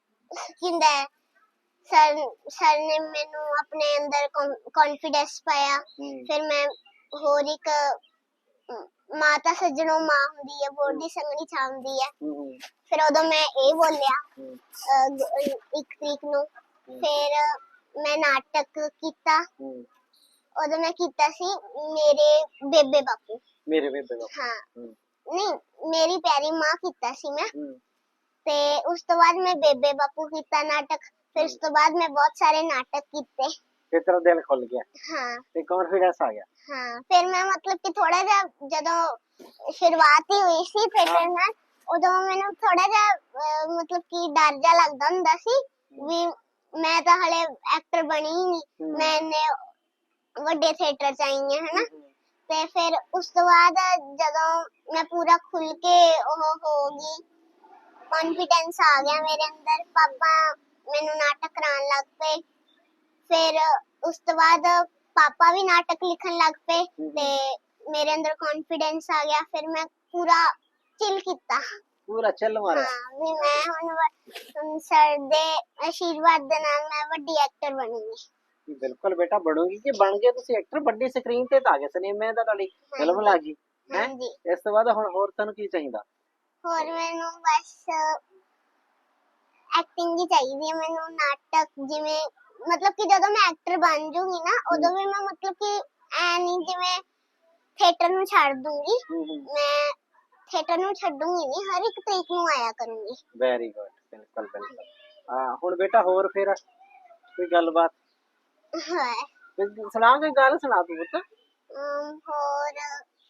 [SPEAKER 2] ਕਿੰਦਾ ਸਰ ਸਰ ਨੇ ਮੈਨੂੰ ਆਪਣੇ ਅੰਦਰ ਕੌਨਫੀਡੈਂਸ ਪਾਇਆ
[SPEAKER 1] ਹਮ,
[SPEAKER 2] ਫਿਰ ਮੈਂ ਹੋਰ ਇੱਕ ਅਮ, ਮਾਤਾ ਸੱਜਣੋ ਮਾਂ ਹੁੰਦੀ ਹੈ ਬੋਰਦੀ ਸੰਗਣੀ ਛਾਉਂਦੀ ਹੈ
[SPEAKER 1] ਹਮ, ਹਮ,
[SPEAKER 2] ਫਿਰ ਉਦੋਂ ਮੈਂ ਇਹ ਬੋਲਿਆ
[SPEAKER 1] ਹਮ,
[SPEAKER 2] ਅਹ, ਗ- ਇੱਕ ਤਰੀਕ ਨੂੰ ਫਿਰ ਮੈਂ ਨਾਟਕ ਕੀਤਾ
[SPEAKER 1] ਹਮ,
[SPEAKER 2] ਉਦੋਂ ਮੈਂ ਕੀਤਾ ਸੀ ਮੇਰੇ ਬੇਬੇ ਬਾਪੂ
[SPEAKER 1] ਮੇਰੇ ਬੇਬੇ ਦਾ
[SPEAKER 2] ਹਾਂ
[SPEAKER 1] ਹਮ,
[SPEAKER 2] ਨਹੀਂ ਮੇਰੀ ਪਿਆਰੀ ਮਾਂ ਕੀਤਾ ਸੀ ਮੈਂ
[SPEAKER 1] ਹਮ,
[SPEAKER 2] ਤੇ ਉਸ ਤੋਂ ਬਾਅਦ ਮੈਂ ਬੇਬੇ ਬਾਪੂ ਕੀਤਾ ਨਾਟਕ ਫਿਰ ਉਸ ਤੋਂ ਬਾਅਦ ਮੈਂ ਬਹੁਤ ਸਾਰੇ ਨਾਟਕ ਕੀਤੇ
[SPEAKER 1] ਫਿਰ ਤੇਰਾ ਦਿਲ ਖੁੱਲ ਗਿਆ
[SPEAKER 2] ਹਾਂ
[SPEAKER 1] ਤੇ ਕੌਨਫੀਡੈਂਸ ਆ ਗਿਆ
[SPEAKER 2] ਹਾਂ ਫਿਰ ਮੈਂ ਮਤਲਬ ਕਿ ਥੋੜਾ ਜਿਹਾ ਜਦੋਂ ਸ਼ੁਰੂਆਤ ਹੀ ਹੋਈ ਸੀ ਥੀਏਟਰ ਨਾਲ ਉਦੋਂ ਮੈਨੂੰ ਥੋੜਾ ਜਿਹਾ ਅਹ, ਮਤਲਬ ਕਿ ਡਰ ਜਿਹਾ ਲੱਗਦਾ ਹੁੰਦਾ ਸੀ ਵੀ ਮੈਂ ਤਾਂ ਹਲੇ ਐਕਟਰ ਬਣੀ ਹੀ ਨਹੀਂ
[SPEAKER 1] ਹਮ,
[SPEAKER 2] ਮੈਂ ਇੰਨੇ ਵੱਡੇ ਥੀਏਟਰ ਚ ਆਈ ਹਾਂ ਹਨਾ
[SPEAKER 1] ਹਮ,
[SPEAKER 2] ਤੇ ਫਿਰ ਉਸ ਤੋਂ ਬਾਅਦ ਜਦੋਂ ਮੈਂ ਪੂਰਾ ਖੁੱਲ ਕੇ ਉਹ ਹੋ ਗਈ ਕੌਨਫੀਡੈਂਸ ਆ ਗਿਆ ਮੇਰੇ ਅੰਦਰ ਪਾਪਾ ਮੈਨੂੰ ਨਾਟਕ ਕਰਾਉਣ ਲੱਗ ਪਏ ਫਿਰ ਉਸ ਤੋਂ ਬਾਅਦ ਪਾਪਾ ਵੀ ਨਾਟਕ ਲਿਖਣ ਲੱਗ ਪਏ
[SPEAKER 1] ਹਮ।
[SPEAKER 2] ਤੇ ਮੇਰੇ ਅੰਦਰ ਕੌਨਫੀਡੈਂਸ ਆ ਗਿਆ ਫਿਰ ਮੈਂ ਪੂਰਾ ਚਿਲ ਕੀਤਾ
[SPEAKER 1] ਪੂਰਾ ਚੱਲ ਮਾਰਿਆ
[SPEAKER 2] ਹਾਂ ਵੀ ਮੈਂ ਹੁਣ ਵ- ਸਰ ਦੇ ਆਸ਼ੀਰਵਾਦ ਦੇ ਨਾਲ ਮੈਂ ਵੱਡੀ ਐਕਟਰ ਬਣੂੰਗੀ
[SPEAKER 1] ਕਿ ਬਿਲਕੁਲ ਬੇਟਾ ਬਣੋਗੀ ਕਿ ਬਣ ਗਏ ਤੁਸੀਂ ਐਕਟਰ ਵੱਡੀ ਸਕਰੀਨ ਤੇ ਤਾਂ ਆ ਗਏ ਸਿਨੇਮੇ ਦਾ ਤੁਹਾਡੀ ਫਿਲਮ ਲੱਗ ਗਈ ਹੈ
[SPEAKER 2] ਹਾਂਜੀ
[SPEAKER 1] ਇਸ ਤੋਂ ਬਾਅਦ ਹੁਣ ਹੋਰ ਤੁਹਾਨੂੰ ਕੀ ਚਾਹੀਦਾ
[SPEAKER 2] ਹੋਰ ਮੈਨੂੰ ਬਸ ਐਕਟਿੰਗ ਹੀ ਚਾਹੀਦੀ ਹੈ ਮੈਨੂੰ ਨਾਟਕ ਜਿਵੇਂ ਮਤਲਬ ਕਿ ਜਦੋਂ ਮੈਂ ਐਕਟਰ ਬਣ ਜੂਗੀ ਨਾ ਉਦੋਂ ਵੀ ਮੈਂ ਮਤਲਬ ਕਿ ਐ ਨਹੀਂ ਜਿਵੇਂ ਥੀਏਟਰ ਨੂੰ ਛੱਡ ਦੂੰਗੀ।
[SPEAKER 1] ਹੂੰ ਹੂੰ
[SPEAKER 2] ਮੈਂ ਥੀਏਟਰ ਨੂੰ ਛੱਡੂੰਗੀ ਨਹੀਂ, ਹਰ ਇੱਕ ਤਰੀਕ ਨੂੰ ਆਇਆ ਕਰੂੰਗੀ।
[SPEAKER 1] ਵੈਰੀ ਗੁੱਡ, ਬਿਲਕੁਲ ਬਿਲਕੁਲ। ਹਾਂ ਹੁਣ ਬੇਟਾ ਹੋਰ ਫਿਰ ਕੋਈ ਗੱਲਬਾਤ
[SPEAKER 2] ਹਾਂ
[SPEAKER 1] ਕੋਈ ਸੁਣਾ, ਕੋਈ ਗੱਲ ਸੁਣਾ ਤੂੰ ਪੁੱਤ।
[SPEAKER 2] ਅਮ, ਹੋਰ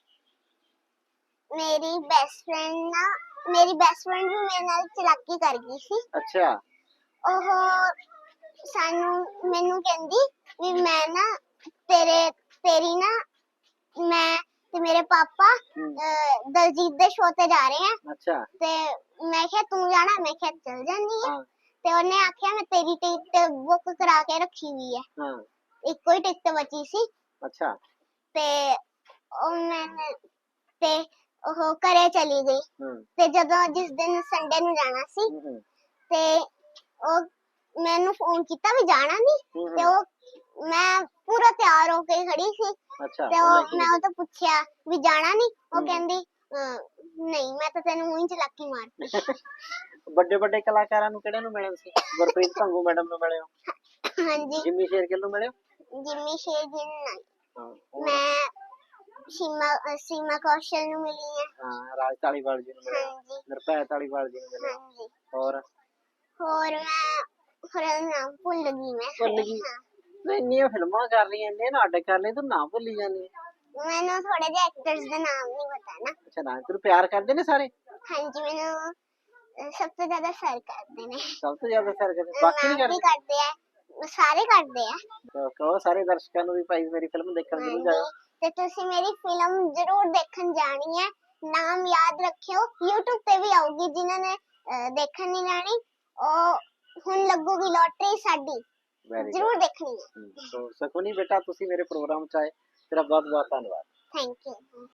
[SPEAKER 2] ਮੇਰੀ ਬੈਸਟ ਫਰੈਂਡ ਨਾ ਮੇਰੀ ਬੈਸਟ ਫਰੈਂਡ ਵੀ ਮੇਰੇ ਨਾਲ ਚਲਾਕੀ ਕਰ ਗਈ ਸੀ।
[SPEAKER 1] ਅੱਛਾ
[SPEAKER 2] ਉਹ ਸਾਨੂੰ ਮੈਨੂੰ ਕਹਿੰਦੀ ਵੀ ਮੈਂ ਨਾ ਤੇਰੇ ਤੇਰੀ ਨਾ ਮੈਂ ਤੇ ਮੇਰੇ ਪਾਪਾ
[SPEAKER 1] ਹੂੰ,
[SPEAKER 2] ਅਹ, ਦਲਜੀਤ ਦੇ ਸ਼ੋਅ ਤੇ ਜਾ ਰਹੇ ਆ।
[SPEAKER 1] ਅੱਛਾ
[SPEAKER 2] ਤੇ ਮੈਂ ਕਿਹਾ ਤੂੰ ਜਾਣਾ, ਮੈਂ ਕਿਹਾ ਚੱਲ ਜਾਂਦੀ ਆ।
[SPEAKER 1] ਹਾਂ
[SPEAKER 2] ਤੇ ਉਹਨੇ ਆਖਿਆ ਮੈਂ ਤੇਰੀ ਟਿਕਟ ਬੁੱਕ ਕਰਾ ਕੇ ਰੱਖੀ ਹੋਈ ਹੈ,
[SPEAKER 1] ਹਾਂ
[SPEAKER 2] ਇੱਕੋ ਹੀ ਟਿਕਟ ਬਚੀ ਸੀ।
[SPEAKER 1] ਅੱਛਾ
[SPEAKER 2] ਤੇ ਉਹ ਮੈਂ ਤੇ ਉਹ ਘਰੇ ਚਲੀ ਗਈ।
[SPEAKER 1] ਹੂੰ
[SPEAKER 2] ਤੇ ਜਦੋਂ ਜਿਸ ਦਿਨ ਸੰਡੇ ਨੂੰ ਜਾਣਾ ਸੀ
[SPEAKER 1] ਹੂੰ ਹੂੰ
[SPEAKER 2] ਤੇ ਉਹ ਮੈਨੂੰ ਫੋਨ ਕੀਤਾ ਵੀ ਜਾਣਾ ਨਹੀਂ।
[SPEAKER 1] ਹੂੰ,
[SPEAKER 2] ਤੇ
[SPEAKER 1] ਹੂੰ,
[SPEAKER 2] ਉਹ ਮੈਂ ਪੂਰਾ ਤਿਆਰ ਹੋ ਕੇ ਖੜੀ ਸੀ।
[SPEAKER 1] ਅੱਛਾ
[SPEAKER 2] ਤੇ
[SPEAKER 1] ਉਹ ਲੈ
[SPEAKER 2] ਉਹ
[SPEAKER 1] ਕੇ
[SPEAKER 2] ਮੈਂ
[SPEAKER 1] ਗਈ।
[SPEAKER 2] ਉਹ ਤੋਂ ਪੁੱਛਿਆ ਵੀ ਜਾਣਾ ਨਹੀਂ। ਉਹ
[SPEAKER 1] ਹੂੰ।
[SPEAKER 2] ਕਹਿੰਦੀ ਅਹ, ਨਹੀਂ ਮੈਂ ਤਾਂ ਤੈਨੂੰ ਊਂ ਹੀ ਚਲਾਕੀ ਮਾਰਤੀ।
[SPEAKER 1] ਵੱਡੇ ਵੱਡੇ ਕਲਾਕਾਰਾਂ ਨੂੰ ਕਿਹੜੇ ਨੂੰ ਮਿਲੇ ਸੀ? ਗੁਰਪ੍ਰੀਤ ਭੰਗੂ ਮੈਡਮ ਨੂੰ ਮਿਲੇ ਹੋ?
[SPEAKER 2] ਹਾਂਜੀ
[SPEAKER 1] ਜਿੰਮੀ ਸ਼ੇਰਗਿੱਲ ਨੂੰ ਮਿਲੇ ਹੋ?
[SPEAKER 2] ਜਿੰਮੀ ਸ਼ੇਰਗਿੱਲ ਨਾਲ
[SPEAKER 1] ਹਾਂ ਹੋਰ?
[SPEAKER 2] ਮੈਂ ਸੀਮਾ ਅਹ, ਸੀਮਾ ਕੌਸ਼ਲ ਨੂੰ ਮਿਲੀ ਹੈ।
[SPEAKER 1] ਹਾਂ ਰਾਜ ਧਾਲੀਵਾਲ ਜੀ ਨੂੰ ਮਿਲੇ ਹੋ?
[SPEAKER 2] ਹਾਂਜੀ
[SPEAKER 1] ਨਿਰਭੈ ਧਾਲੀਵਾਲ ਜੀ ਨੂੰ ਮਿਲੇ ਹੋ?
[SPEAKER 2] ਹਾਂਜੀ
[SPEAKER 1] ਹੋਰ
[SPEAKER 2] ਹੋਰ ਮੈਂ ਹੋਰ ਨਾਮ ਭੁੱਲ ਗਈ ਮੈਂ।
[SPEAKER 1] ਭੁੱਲ ਗਈ?
[SPEAKER 2] ਹਾਂ,
[SPEAKER 1] ਤੂੰ ਇੰਨੀਆਂ ਫਿਲਮਾਂ ਕਰ ਰਹੀ ਐ, ਇੰਨੇ ਨਾਟਕ ਕਰ ਲਏ, ਤੂੰ ਨਾ ਭੁੱਲੀ ਜਾਂਦੀ ਹੈ।
[SPEAKER 2] ਮੈਨੂੰ ਥੋੜੇ ਜਿਹੇ ਐਕਟਰਸ ਦਾ ਨਾਮ ਨਹੀਂ ਪਤਾ ਨਾ।
[SPEAKER 1] ਅੱਛਾ ਨਾ, ਤੈਨੂੰ ਪਿਆਰ ਕਰਦੇ ਨੇ ਸਾਰੇ?
[SPEAKER 2] ਹਾਂਜੀ ਮੈਨੂੰ ਅਹ, ਸਭ ਤੋਂ ਜ਼ਿਆਦਾ ਸਰ ਕਰਦੇ ਨੇ।
[SPEAKER 1] ਸਭ ਤੋਂ ਜ਼ਿਆਦਾ ਸਰ ਕਰਦੇ, ਬਾਕੀ ਨਹੀਂ
[SPEAKER 2] ਮੈਮ ਵੀ
[SPEAKER 1] ਕਰਦੇ?
[SPEAKER 2] ਕਰਦੇ ਆ, ਸਾਰੇ ਕਰਦੇ ਆ।
[SPEAKER 1] ਤਾਂ ਕਹੋ ਸਾਰੇ ਦਰਸ਼ਕਾਂ ਨੂੰ ਵੀ ਭਾਈ ਮੇਰੀ ਫਿਲਮ ਦੇਖਣ ਜ਼ਰੂਰ ਜਾਇਓ।
[SPEAKER 2] ਹਾਂਜੀ ਤੇ ਤੁਸੀਂ ਮੇਰੀ ਫਿਲਮ ਜ਼ਰੂਰ ਦੇਖਣ ਜਾਣੀ ਹੈ। ਨਾਮ ਯਾਦ ਰੱਖਿਓ, YouTube ਤੇ ਵੀ ਆਊਗੀ। ਜਿਨ੍ਹਾਂ ਨੇ ਅਹ, ਦੇਖਣ ਨਹੀਂ ਜਾਣੀ ਉਹ ਹੁਣ ਲੱਗੂਗੀ ਲੋਟਰੀ ਸਾਡੀ,
[SPEAKER 1] ਵੈਰੀ
[SPEAKER 2] ਜ਼ਰੂਰ ਦੇਖਣੀ ਹੈ।
[SPEAKER 1] ਗੁੱਡ। ਸੋ ਸਕੂਨੀ ਬੇਟਾ ਤੁਸੀਂ ਮੇਰੇ ਪ੍ਰੋਗਰਾਮ ਚ ਆਏ, ਤੇਰਾ ਬਹੁਤ ਬਹੁਤ ਧੰਨਵਾਦ।
[SPEAKER 2] Thank you.